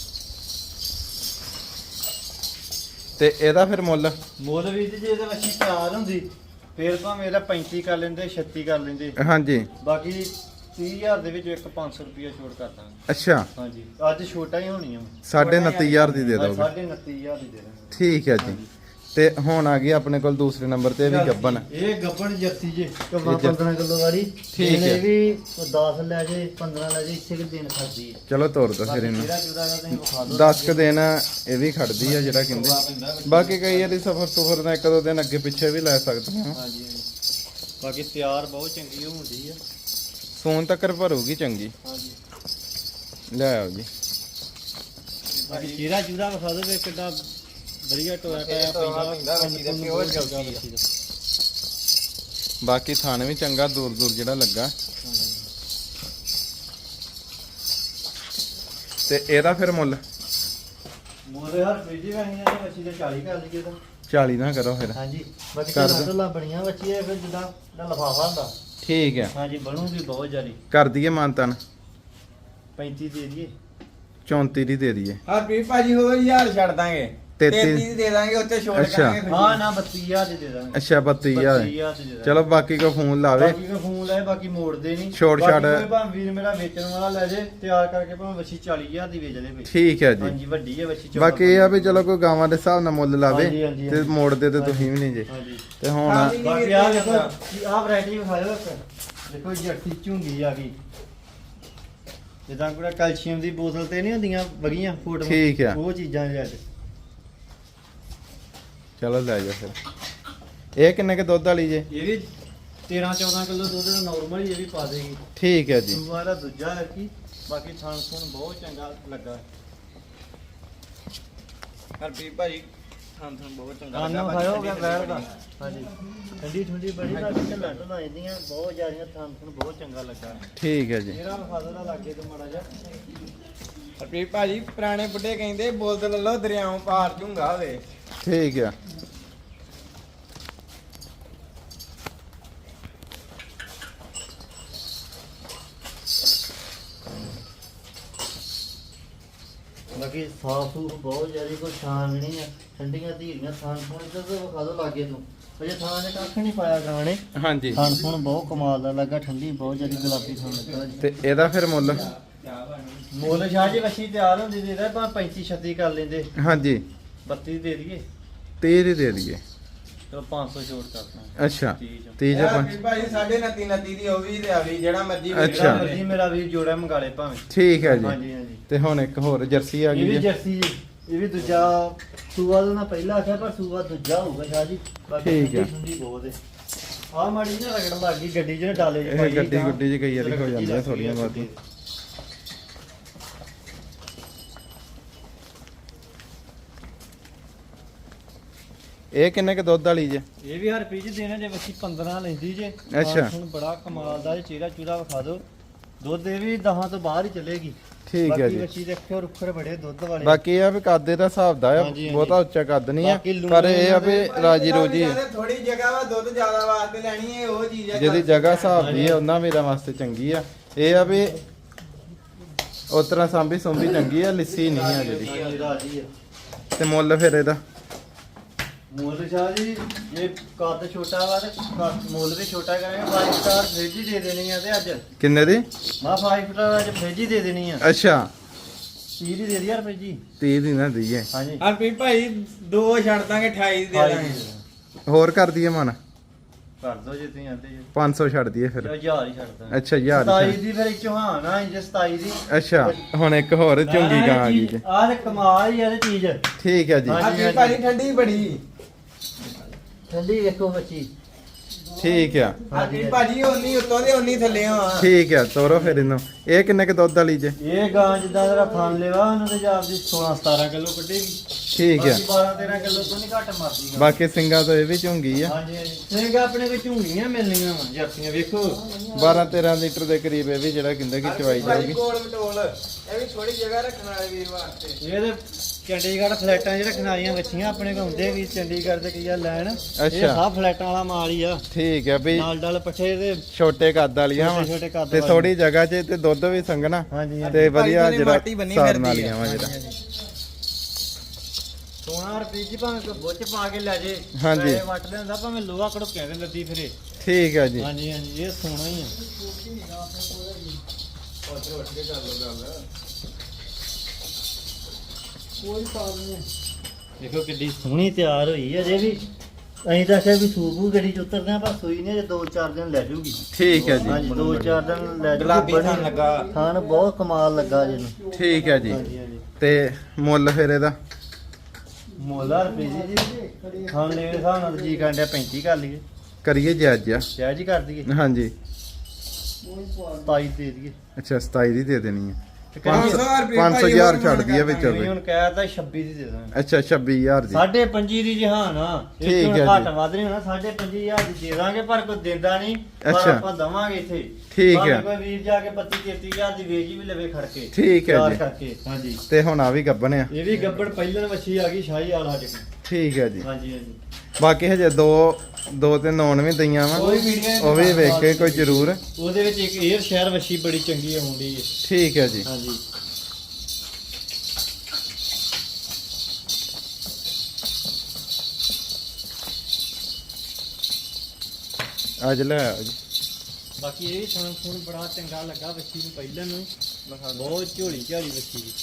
S1: ਤੇ ਇਹਦਾ ਫਿਰ ਮੁੱਲ
S3: ਮੁੱਲ ਵੀ ਜੇ ਇਹਦੇ ਵੱਛੀ ਤਿਆਰ ਹੁੰਦੀ ਫੇਰ ਭਾਵੇਂ ਇਹਦਾ ਪੈਂਤੀ ਕਰ ਲੈਂਦੇ ਛੱਤੀ ਕਰ ਲੈਂਦੇ
S1: ਹਾਂਜੀ
S3: ਬਾਕੀ ਤੀਹ ਹਜ਼ਾਰ ਦੇ ਵਿੱਚ ਇੱਕ ਪੰਜ ਸੌ ਰੁਪਿਆ ਛੋੜ ਕਰ ਦਾਂਗੇ
S1: ਅੱਛਾ
S3: ਹਾਂਜੀ ਅੱਜ ਛੋਟਾ ਹੀ ਹੋਣੀ ਆ
S1: ਸਾਢੇ ਉਨੱਤੀ ਹਜ਼ਾਰ ਦੀ ਦੇ
S3: ਅੱਜ
S1: ਦੋਗੇ
S3: ਸਾਢੇ ਉਨੱਤੀ ਹਜ਼ਾਰ ਦੀ ਦੇ ਦਾਂਗੇ
S1: ਠੀਕ ਹੈ ਜੀ ਤੇ ਹੁਣ ਆ ਗਈ ਆਪਣੇ ਕੋਲ ਦੂਸਰੇ ਨੰਬਰ ਤੇ ਇਹ ਵੀ ਗੱਬਨ
S3: ਇਹ ਗੱਬਣ ਜਰਸੀ ਜੇ ਕਮਾ
S1: ਇਹ ਜਰ-
S3: ਪੰਦਰਾਂ ਕਿਲੋ ਵਾਲੀ
S1: ਠੀਕ ਹੈ।
S3: ਇਹ ਵੀ ਦਸ ਲੈ ਜੇ ਪੰਦਰਾਂ ਲੈ ਜੇ ਇੱਥੇ ਕਿ ਦਿਨ ਖੜਦੀ ਹੈ
S1: ਚਲੋ ਤੋਰ ਦੋ ਫਿਰ ਇਹਨੂੰ
S3: ਜਿਹੜਾ ਜੁਦਾ ਦਾ ਤੁਸੀਂ ਵਿਖਾ ਦਿਓ
S1: ਦਸ ਕੁ ਦਿਨ ਇਹ ਵੀ ਖੜਦੀ ਆ ਜਿਹੜਾ ਕਹਿੰਦੇ ਬਾਕੀ ਕਈ ਵਾਰੀ ਸਫਰ ਸੁਫਰ ਦਾ ਇੱਕ ਦੋ ਦਿਨ ਅੱਗੇ ਪਿੱਛੇ ਵੀ ਲੈ ਸਕਦੇ ਹਾਂ
S3: ਹਾਂਜੀ ਹਾਂਜੀ ਬਾਕੀ ਤਿਆਰ ਬਹੁਤ ਚੰਗੀ ਹੁੰਦੀ ਆ
S1: ਸੋਨ ਤੱਕ ਭਰੂਗੀ ਚੰਗੀ
S3: ਹਾਂਜੀ
S1: ਲੈ ਆਓ ਜੀ
S3: ਬਾਕੀ ਚਿਹਰਾ ਜੁਦਾ ਵਿਖਾ ਦਿਓ ਵੀ ਕਿੱਡਾ ਵਧੀਆ ਟੋਇਆ ਟਾਇਆ
S2: ਟੋਆ ਪੈਂਦਾ ਵੱਛੀ ਦਾ, pure ਜਲਦੀ ਆ।
S3: ਵੱਛੀ ਦਾ।
S1: ਬਾਕੀ ਥਾਣ ਵੀ ਚੰਗਾ ਦੂਰ ਦੂਰ ਜਿਹੜਾ ਲੱਗਾ
S3: ਹਾਂਜੀ।
S1: ਤੇ ਇਹਦਾ ਫਿਰ ਮੁੱਲ
S3: ਮੋਰੇ ਹਰ ਫ੍ਰਿਜ ਵਹੀਂ ਨੇ ਵੱਛੀ ਦਾ ਚਾਲੀ ਕਰ ਲਈਏ ਤਾਂ
S1: ਚਾਲੀ ਨਾ ਕਰੋ ਫਿਰ
S3: ਹਾਂਜੀ ਬਾਕੀ
S1: ਕਰ
S3: ਢੋਲਾਂ
S1: ਦਿਓ।
S3: ਢੋਲਾਂ ਬਣੀਆਂ ਵੱਛੀ ਇਹ ਫਿਰ ਜਿੱਦਾਂ ਦਾ ਲਫਾਫਾ ਹੁੰਦਾ
S1: ਠੀਕ ਹੈ
S3: ਹਾਂਜੀ ਬਣੂਗੀ ਬਹੁਤ ਜ਼ਿਆਦੀ
S1: ਕਰ ਦਈਏ ਮਾਨਤਨ
S3: ਪੈਂਤੀ ਦੇ ਦਈਏ
S1: ਚੌਂਤੀ ਦੀ ਦੇ ਦਈਏ
S2: ਹਰਪ੍ਰੀਤ ਭਾਜੀ ਹੋਰ ਹਜ਼ਾਰ ਛੱਡ ਦਾਂਗੇ
S1: ਤੇਤੀ
S2: ਤੇਤੀ ਦੀ ਦੇ ਦਾਂਗੇ ਉੱਤੇ ਛੋੜ
S1: ਅੱਛਾ।
S2: ਕਰਾਂਗੇ ਖੁਸ਼ੀ।
S3: ਹਾਂ ਨਾ ਬੱਤੀ ਹਜ਼ਾਰ ਦੀ ਦੇ ਦਾਂਗੇ
S1: ਅੱਛਾ ਬੱਤੀ ਹਜ਼ਾਰ
S3: ਬੱਤੀ ਹਜ਼ਾਰ ਦੀ ਦੇ ਦਾਂਗੇ
S1: ਚਲੋ ਬਾਕੀ ਕੋ ਫੋਨ ਲਾਵੇ
S3: ਬਾਕੀ ਕੋ ਫੋਨ ਲੈ ਬਾਕੀ ਮੋੜਦੇ ਨਹੀਂ
S1: ਛੋੜ ਛਾੜ।
S3: ਭਾਵੇਂ ਵੀਰ ਮੇਰਾ ਵੇਚਣ ਵਾਲਾ ਲੈ ਜੇ ਤਿਆਰ ਕਰਕੇ ਭਾਵੇਂ ਵੱਛੀ ਚਾਲੀ ਹਜ਼ਾਰ ਦੀ ਵੇਚ ਦੇ ਵੀ
S1: ਠੀਕ ਹੈ ਜੀ
S3: ਹਾਂਜੀ ਵੱਡੀ ਹੈ ਵੱਛੀ ਚੌਦਾਂ
S1: ਬਾਕੀ ਇਹ ਆ ਵੀ ਚਲੋ ਕੋਈ ਗਾਵਾਂ ਦੇ ਹਿਸਾਬ ਨਾਲ ਮੁੱਲ ਲਾਵੇ
S3: ਹਾਂਜੀ, ਹਾਂਜੀ,
S1: ਤੇ
S3: ਹਾਂਜੀ।
S1: ਮੋੜਦੇ ਤੇ ਤੁਸੀਂ ਵੀ ਨਹੀਂ ਜੇ
S3: ਹਾਂਜੀ
S1: ਤੇ ਹੁਣ
S2: ਹਾਂਜੀ।
S3: ਬਾਕੀ ਆ ਦੇਖੋ ਆਹ ਵੈਰਾਈਟੀ ਵਿਖਾਇਓ ਇੱਕ ਦੇਖੋ ਜੱਟੀ ਝੁੰਗੀ ਆ ਗਈ ਜਿੱਦਾਂ ਕੋਈ ਕੈਲਸ਼ੀਅਮ ਦੀ ਬੋਤਲ ਤੇ ਨਹੀਂ ਹੁੰਦੀਆਂ ਵਗੀਆਂ ਫੋਟੋ
S1: ਠੀਕ ਆ।
S3: ਉਹ ਚੀਜ਼ਾਂ ਜੇ ਅੱਜ
S1: ਚਲੋ ਲੈ ਜਾ ਫਿਰ ਇਹ ਕਿੰਨੇ ਕੇ ਦੁੱਧ ਵਾਲੀ ਜੇ
S3: ਇਹ ਵੀ ਤੇਰਾਂ ਚੌਦਾਂ ਕਿਲੋ ਦੁੱਧ ਦਾ ਨਾਰਮਲ ਹੀ ਇਹ ਵੀ ਪਾ ਦੇਗੀ
S1: ਠੀਕ ਹੈ ਜੀ
S3: ਸੂਆ ਦਾ ਦੂਜਾ ਹੈ ਕੀ ਬਾਕੀ ਥਣ ਥਣ ਬਹੁਤ ਚੰਗਾ ਲੱਗਾ
S2: ਹਰਪ੍ਰੀਤ ਭਾਜੀ ਥਾਂ ਥਾਂ ਬਹੁਤ ਚੰਗਾ
S3: ਖਾਣਾ
S2: ਲੱਗਾ
S3: ਖਾਇਓ ਗਿਆ
S2: ਭਾਜੀ,
S3: ਬੈਠ ਦਾ ਹਾਂਜੀ ਠੰਡੀ ਠੰਡੀ ਬੜੀ ਨਾ ਢੱਲਾਂ ਢੱਲਾਂ ਇਹਦੀਆਂ ਬਹੁਤ ਜ਼ਿਆਦੀਆਂ ਥਣ ਥਣ ਬਹੁਤ ਚੰਗਾ ਲੱਗਾ
S1: ਠੀਕ ਹੈ ਜੀ
S3: ਮੇਰਾ ਵਿਖਾ ਦਾ ਲੱਗੇ ਤੇ ਮਾੜਾ ਜਿਹਾ
S2: ਹਰਪ੍ਰੀਤ ਭਾਜੀ ਪੁਰਾਣੇ ਬੁੱਢੇ ਕਹਿੰਦੇ ਬੋਲਦ ਲੱਲੋ ਦਰਿਆਓਂ ਪਾਰ ਝੁੰਗਾ ਹੋਵੇ
S1: ਠੀਕ ਆ
S3: ਬਾਕੀ ਸਾਫ ਸੂਫ ਬਹੁਤ ਜ਼ਿਆਦਾ ਕੋਈ ਸ਼ਾਨ ਨਹੀਂ ਆ ਠੰਡੀਆਂ ਧੀਰੀਆਂ ਥਾਂ ਥਣ ਤੇ ਵਿਖਾ ਦੋ ਲਾਗੇ ਨੂੰ ਅਜੇ ਥਾਂ ਨੇ ਕੱਖ ਨਹੀਂ ਪਾਇਆ ਗਾਣੇ
S1: ਹਾਂਜੀ
S3: ਥਾਂ ਥਣ ਬਹੁਤ ਕਮਾਲ ਦਾ ਲੱਗਾ ਠੰਡੀ ਬਹੁਤ ਜ਼ਿਆਦਾ ਗੁਲਾਬੀ ਥਾਂ ਲੱਗਾ ਜੀ
S1: ਤੇ ਇਹਦਾ ਫਿਰ ਮੁੱਲ
S3: ਮੁੱਲ ਸ਼ਾਹ ਜੀ ਵੱਛੀ ਤਿਆਰ ਹੁੰਦੀ ਦੇ ਦੇ ਭਾਵੇਂ ਪੈਂਤੀ ਛੱਤੀ ਕਰ ਲੈਂਦੇ
S1: ਹਾਂਜੀ
S3: ਬੱਤੀ ਦੇ ਦਈਏ
S1: ਤੀਹ ਦੀ ਦੇ ਦਈਏ
S3: ਚਲੋ ਪੰਜ ਸੌ ਛੋਟ ਕਰਦਾ
S1: ਅੱਛਾ
S3: ਤੀਹ ਚ।
S1: ਤੀਹ ਜਾਂ ਪੰਜ
S2: ਹਰਪ੍ਰੀਤ ਭਾਜੀ ਸਾਢੇ ਉਨੱਤੀ ਉਨੱਤੀ ਦੀ ਉਹ ਵੀ ਤੇ ਆ ਵੀ ਜਿਹੜਾ ਮਰਜੀ
S1: ਅੱਛਾ।
S3: ਜਿਹੜਾ ਮਰਜ਼ੀ ਮੇਰਾ ਵੀਰ ਜੋੜਾ ਮੰਗਾ ਲੇ ਭਾਵੇਂ
S1: ਠੀਕ ਹੈ ਜੀ
S3: ਹਾਂਜੀ ਹਾਂਜੀ
S1: ਤੇ ਹੁਣ ਇੱਕ ਹੋਰ ਜਰਸੀ ਆ
S3: ਇਹ
S1: ਗਈ
S3: ਵੀ
S1: ਜੀ
S3: ਜਰਸੀ ਜੀ ਇਹ ਵੀ ਦੂਜਾ ਸੂਆ ਦਾ ਨਾ ਪਹਿਲਾ ਆਖਿਆ ਪਰ ਸੂਆ ਦੂਜਾ ਹੋਊਗਾ ਸ਼ਾਹ ਜੀ ਬਾਕੀ
S1: ਠੀਕ ਹੈ।
S3: ਠੰਡੀ ਠੰਡੀ ਬਹੁਤ ਹੈ ਆ ਮਾੜੀ ਜਿਹੀ ਨਾ ਰਗੜ ਲੱਗ ਗਈ ਗੱਡੀ 'ਚ ਨਾ ਡਾਲੇ 'ਚ
S1: ਇਹ
S3: ਪਾਈ
S1: ਗੱਡੀ
S3: ਤਾਂ
S1: ਗੁੱਡੀ 'ਚ ਕਈ ਵਾਰੀ ਹੋ
S3: ਰਗੜ ਜਿਹੀ
S1: ਜਾਂਦੀਆਂ
S3: ਲੱਗ ਗਈ
S1: ਥੋੜੀਆਂ
S3: ਆ
S1: ਬਹੁਤੀਆਂ। ਇਹ ਕਿੰਨੇ ਕੇ ਦੁੱਧ ਵਾਲੀ ਜੇ
S3: ਇਹ ਵੀ ਹਰ ਪੀਜ ਦੇਣਾ ਜੇ ਵੱਛੀ ਪੰਦਰਾਂ ਲੈਂਦੀ ਜੇ
S1: ਅੱਛਾ।
S3: ਹੁਣ ਬੜਾ ਕਮਾਲ ਦਾ ਜੇ ਚਿਹਰਾ ਚੂਰਾ ਵਿਖਾ ਦਿਓ ਦੁੱਧ ਇਹ ਵੀ ਦਹਾਂ ਤੋਂ ਬਾਹਰ ਹੀ ਚੱਲੇਗੀ।
S1: ਠੀਕ ਹੈ
S3: ਬਾਕੀ
S1: ਜੀ।
S3: ਬੱਚੀ ਦੇ ਅੱਖਰ ਉੱਖਰ ਬੜੇ ਦੁੱਧ ਵਾਲੇ।
S1: ਬਾਕੀ ਇਹ ਆ ਵੀ ਕੱਦ ਦਾ ਹਿਸਾਬ ਦਾ ਆ,
S3: ਹਾਂਜੀ, ਹਾਂਜੀ।
S1: ਬਹੁਤਾ ਉੱਚਾ ਕੱਦ ਨਹੀਂ ਆ,
S3: ਬਾਕੀ ਲੂਣ
S1: ਪਰ ਇਹ ਆ ਵੀ ਰਾਜੀ ਰੋਜੀ ਆ।
S2: ਥੋੜੀ ਜਗ੍ਹਾ ਵਾ ਦੁੱਧ ਜ਼ਿਆਦਾ ਵਾਸਤੇ ਲੈਣੀ ਹੈ ਉਹ ਚੀਜ਼ ਹੈ।
S1: ਜਿਹਦੀ ਜਗ੍ਹਾ ਹਿਸਾਬ ਦੀ ਆ ਉਹਨਾਂ ਮੇਰਾ ਵਾਸਤੇ ਚੰਗੀ ਆ। ਇਹ ਆ ਵੀ ਉਸ ਤਰ੍ਹਾਂ ਸਾਂਭੀ ਸੁੰਭੀ ਚੰਗੀ ਆ, ਲਿੱਸੀ ਨਹੀਂ ਆ ਜਿਹੜੀ।
S3: ਹਾਂਜੀ, ਰਾਜੀ ਆ।
S1: ਤੇ ਮੁੱਲ ਫਿਰ ਇਹਦਾ
S3: ਮੁੱਲ ਸ਼ਾਹ ਜੀ ਇਹ ਕੱਦ ਛੋਟਾ ਵਾ ਤੇ ਕੱਦ- ਮੁੱਲ ਵੀ ਛੋਟਾ ਕਰਾਂਗੇ। ਪੰਜ ਸਟਾਰ ਫ੍ਰਿਜ ਹੀ ਦੇ ਦੇਣੀ ਆ ਤੇ ਅੱਜ
S1: ਕਿੰਨੇ ਦੀ?
S3: ਮਾ ਪੰਜ ਸਟਾਰ ਅੱਜ ਫ੍ਰਿਜ ਹੀ ਦੇ ਦੇਣੀ ਆ।
S1: ਅੱਛਾ
S3: ਤੀਹ ਦੀ ਦੇ ਦੀ ਯਾਰ ਫ੍ਰਿਜ ਜੀ।
S1: ਤੀਹ ਦੀ ਨਾ ਦਈਏ,
S3: ਹਾਂਜੀ
S2: ਹਰਪ੍ਰੀਤ ਭਾਈ ਦੋ ਛੱਡ ਦਾਂਗੇ ਅਠਾਈ ਦੀ ਦੇ ਦਾਂਗੇ।
S1: ਹੋਰ ਕਰ ਦਈਏ ਮਨ
S3: ਕਰ ਦੋ ਜੇ ਤੁਸੀਂ ਆਂਦੇ ਜੀ।
S1: ਪੰਜ ਸੌ ਛੱਡ ਦਈਏ ਫਿਰ।
S3: ਹਜ਼ਾਰ ਹੀ ਛੱਡਦਾ।
S1: ਅੱਛਾ ਹਜ਼ਾਰ ਹੀ
S3: ਸਤਾਈ
S1: ਛੱਡ-
S3: ਦੀ ਫਿਰ ਚੌਹਾਨ ਆ ਇੰਜ ਸਤਾਈ ਦੀ।
S1: ਅੱਛਾ ਹੁਣ ਇੱਕ ਹੋਰ ਚੁੰਗੀ ਗਾਂ ਆ ਗਈ ਜੀ।
S3: ਆਹ ਤੇ ਕਮਾਲ ਹੀ ਆ ਇਹ ਚੀਜ਼।
S1: ਠੀਕ ਹੈ ਜੀ,
S3: ਹਾਂਜੀ।
S2: ਹਰਪ੍ਰੀਤ ਭਾਈ ਠੰਡੀ ਬੜੀ।
S3: ਠੰਡੀ ਵੇਖੋ ਬੱਚੀ।
S1: ਠੀਕ ਆ
S2: ਹਰਪ੍ਰੀਤ ਭਾਜੀ ਉਨੀ ਉੱਤੋਂ ਦੇ ਉਨੀ ਥੱਲੇ ਆ।
S1: ਠੀਕ ਆ। ਤੋਰੋ ਫਿਰ ਇਹਨੂੰ। ਇਹ ਕਿੰਨੇ ਕ ਦੁੱਧ ਵਾਲੀ ਜੇ?
S3: ਇਹ ਗਾਂ ਜਿੱਦਾਂ ਦਾ ਥਣ ਲੈਵਾ ਉਹਨਾਂ ਦੇ ਜਾਬ ਦੀ ਸੋਲਾਂ ਸਤਾਰਾਂ ਕਿਲੋ ਕੱਢੇਗੀ।
S1: ਠੀਕ ਆ।
S3: ਬਾਕੀ ਬਾਰਾਂ ਤੇਰਾਂ ਕਿਲੋ ਤੋਂ ਨਹੀਂ ਘੱਟ ਮਰਦੀ ਗਾਂ।
S1: ਬਾਕੀ ਸਿੰਘਾਂ ਤੋਂ ਇਹ ਵੀ ਝੁੰਗੀ ਆ।
S3: ਹਾਂਜੀ ਹਾਂਜੀ ਸਿੰਘ ਆਪਣੇ ਕੋਲ ਝੂੰਗੀਆਂ ਮਿਲਣੀਆਂ ਵਾ ਜਰਸੀਆਂ ਵੇਖੋ।
S1: ਬਾਰਾਂ ਤੇਰਾਂ ਲੀਟਰ ਦੇ ਕਰੀਬ ਇਹ ਵੀ ਜਿਹੜਾ ਕਹਿੰਦੇ ਕਿ ਚਵਾਈ
S2: ਭਾਜੀ
S1: ਜਾਊਗੀ।
S2: ਕੋਲ ਮਟੋਲ ਇਹ ਵੀ ਥੋੜੀ ਜਗ੍ਹਾ ਰੱਖਣ ਵਾਲੇ ਵੀਰ ਵਾਸਤੇ।
S3: ਇਹ ਤੇ ਚੰਡੀਗੜ੍ਹ ਫਲੈਟਾਂ ਜਿਹੜੇ ਖਨਾਰੀਆਂ ਬੱਚੀਆਂ ਆਪਣੇ ਕੋਲ ਹੁੰਦੇ ਵੀ ਚੰਡੀਗੜ੍ਹ ਦੇ ਕੀ ਆ ਲੈਣ। ਇਹ
S1: ਅੱਛਾ।
S3: ਸਭ ਫਲੈਟਾਂ ਵਾਲਾ ਮਾਲ ਹੀ ਆ।
S1: ਠੀਕ ਆ ਵੀ
S3: ਨਾਲ ਡਲ ਪੱਠੇ ਦੇ
S1: ਛੋਟੇ ਕੱਦ ਵਾਲੀਆਂ ਵਾ
S3: ਛੋਟੇ ਛੋਟੇ ਕੱਦ
S1: ਤੇ
S3: ਵਾਲੀਆਂ।
S1: ਥੋੜੀ ਜਗ੍ਹਾ 'ਚ ਤੇ ਦੁੱਧ ਵੀ ਸੰਘਣਾ
S3: ਹਾਂਜੀ
S1: ਤੇ ਵਧੀਆ
S2: ਭਾਈ
S1: ਜਿਹੜਾ
S2: ਮਾਟੀ ਬੰਨੀ
S1: ਸਾਰਨ
S2: ਫਿਰਦੀ
S1: ਵਾਲੀਆਂ
S2: ਆ।
S1: ਵਾ ਜਿਹੜਾ।
S3: ਸੋਨਾ ਰੁਪਏ ਜੀ ਭਾਵੇਂ ਕੋਈ ਬੁੱਚ ਪਾ ਕੇ ਲੈ ਜੇ।
S1: ਹਾਂਜੀ।
S3: ਪੈਸੇ ਵੱਟ ਲੈਂਦਾ ਭਾਵੇਂ ਲੋਹਾ ਕੜੋਕਿਆਂ ਦੇ ਲੱਦੀ ਫਿਰੇ।
S1: ਠੀਕ ਆ ਜੀ।
S3: ਹਾਂਜੀ ਹਾਂਜੀ ਇਹ ਸੋਨਾ ਹੀ ਆ। ਕੋਈ ਪ੍ਰੋਬਲਮ ਨਹੀਂ। ਦੇਖੋ ਕਿੱਡੀ ਸੋਹਣੀ ਤਿਆਰ ਹੋਈ ਹੈ ਜੇ ਵੀ। ਅਸੀਂ ਤਾਂ ਆਖਿਆ ਵੀ ਸੂਪੂ ਗੱਡੀ ਚ ਉਤਰਦੇ ਆ ਪਰ ਸੂਈ ਨੇ ਜੇ ਦੋ ਚਾਰ ਦਿਨ ਲੈ ਜੂਗੀ।
S1: ਠੀਕ ਹੈ ਜੀ।
S3: ਹਾਂਜੀ ਦੋ ਚਾਰ ਦਿਨ ਲੈ ਜੂਗੀ।
S2: ਗੁਲਾਬੀ
S3: ਬੜੀ-
S2: ਥਣ ਲੱਗਾ।
S3: ਥਣ ਬਹੁਤ ਕਮਾਲ ਲੱਗਾ ਜਿਹਨੂੰ।
S1: ਠੀਕ ਹੈ ਜੀ।
S3: ਹਾਂਜੀ ਹਾਂਜੀ
S1: ਤੇ ਮੁੱਲ ਫਿਰ ਇਹਦਾ?
S3: ਮੋਲਾ ਰੁਪਏ ਜੀ ਥਣ ਲੈ ਹਿਸਾਬ ਨਾਲ ਜੀ ਕਾਂਡਿਆ ਪੈਂਤੀ ਕਰ ਲਈਏ।
S1: ਕਰੀਏ ਜੀ ਅੱਜ ਆ।
S3: ਸ਼ਾਇਦ ਜੀ ਕਰ ਦਈਏ।
S1: ਹਾਂਜੀ।
S3: ਸਤਾਈ ਦੇ ਦਈਏ।
S1: ਅੱਛਾ ਸਤਾਈ ਦੀ ਦੇ ਦੇਣੀ ਹੈ।
S3: ਤੇ
S2: ਪੰਜ
S3: ਕਰੀਏ
S2: ਸੌ ਰੁਪਏ
S1: ਪੰਜ ਸੌ
S2: ਭਾਈ
S1: ਹਜ਼ਾਰ
S2: ਹੋਰ
S1: ਛੱਡ ਦਈਏ ਵਿੱਚ
S2: ਕਰ
S3: ਵੀ ਹੁਣ ਕਹਿਤਾ ਛੱਬੀ ਦੀ ਦੇ ਦਾਂਗੇ।
S1: ਅੱਛਾ ਛੱਬੀ ਹਜ਼ਾਰ ਦੀ।
S3: ਸਾਢੇ ਪੰਜੀ ਦੀ ਜਹਾਨ ਆ।
S1: ਠੀਕ
S3: ਇਹ
S1: ਹੈ
S3: ਤੋਂ ਘੱਟ
S1: ਜੀ।
S3: ਵੱਧ ਨਹੀਂ ਹੋਣਾ। ਸਾਢੇ ਪੰਜੀ ਹਜ਼ਾਰ ਦੀ ਦੇ ਦਾਂਗੇ ਪਰ ਕੋਈ ਦਿੰਦਾ ਨਹੀਂ। ਪਰ
S1: ਅੱਛਾ।
S3: ਆਪਾਂ ਦਵਾਂਗੇ ਇੱਥੇ।
S1: ਠੀਕ
S3: ਭਾਵੇਂ
S1: ਹੈ।
S3: ਕੋਈ ਵੀਰ ਜਾ ਕੇ ਪੱਚੀ ਤੇਤੀ ਹਜ਼ਾਰ ਦੀ ਵੇਚ ਵੀ ਲਵੇ ਖੜ ਕੇ।
S1: ਠੀਕ ਹੈ
S3: ਤਿਆਰ
S1: ਜੀ।
S3: ਕਰਕੇ ਹਾਂਜੀ।
S1: ਤੇ ਹੁਣ ਆ ਵੀ ਗੱਬਣ ਆ।
S3: ਇਹ ਵੀ ਗੱਬੜ ਪਹਿਲਣ ਵੱਛੀ ਆ ਗਈ ਸ਼ਾਹੀ ਵਾਲਾ ਸਾਡੇ ਕੋਲ।
S1: ਠੀਕ ਹੈ ਜੀ।
S3: ਹਾਂਜੀ ਹਾਂਜੀ
S1: ਬਾਕੀ ਹਜੇ ਦੋ ਦੋ ਤੇ ਨੌਨ ਵੀ ਦਈਆਂ ਵਾ,
S3: ਕੋਈ ਵੀਡੀਓ
S1: ਉਹ ਵੀ ਵੇਖ ਕੇ ਕੋਈ ਜ਼ਰੂਰ।
S3: ਉਹਦੇ ਵਿੱਚ ਇੱਕ 에ਅਰ ਸ਼ਹਿਰ ਵੱਛੀ ਬੜੀ ਚੰਗੀ ਆਉਂਦੀ ਹੈ।
S1: ਠੀਕ ਹੈ ਜੀ।
S3: ਹਾਂਜੀ
S1: ਅੱਜ ਲੈ ਆਓ ਜੀ।
S3: ਬਾਕੀ ਇਹ ਸੁਣ ਸੁਣ ਬੜਾ ਚੰਗਾ ਲੱਗਾ ਵੱਛੀ ਨੂੰ ਪਹਿਲਾਂ ਨੂੰ। ਬਹੁਤ ਝੋਲੀ ਝਾਲੀ ਵੱਛੀ ਦੀ।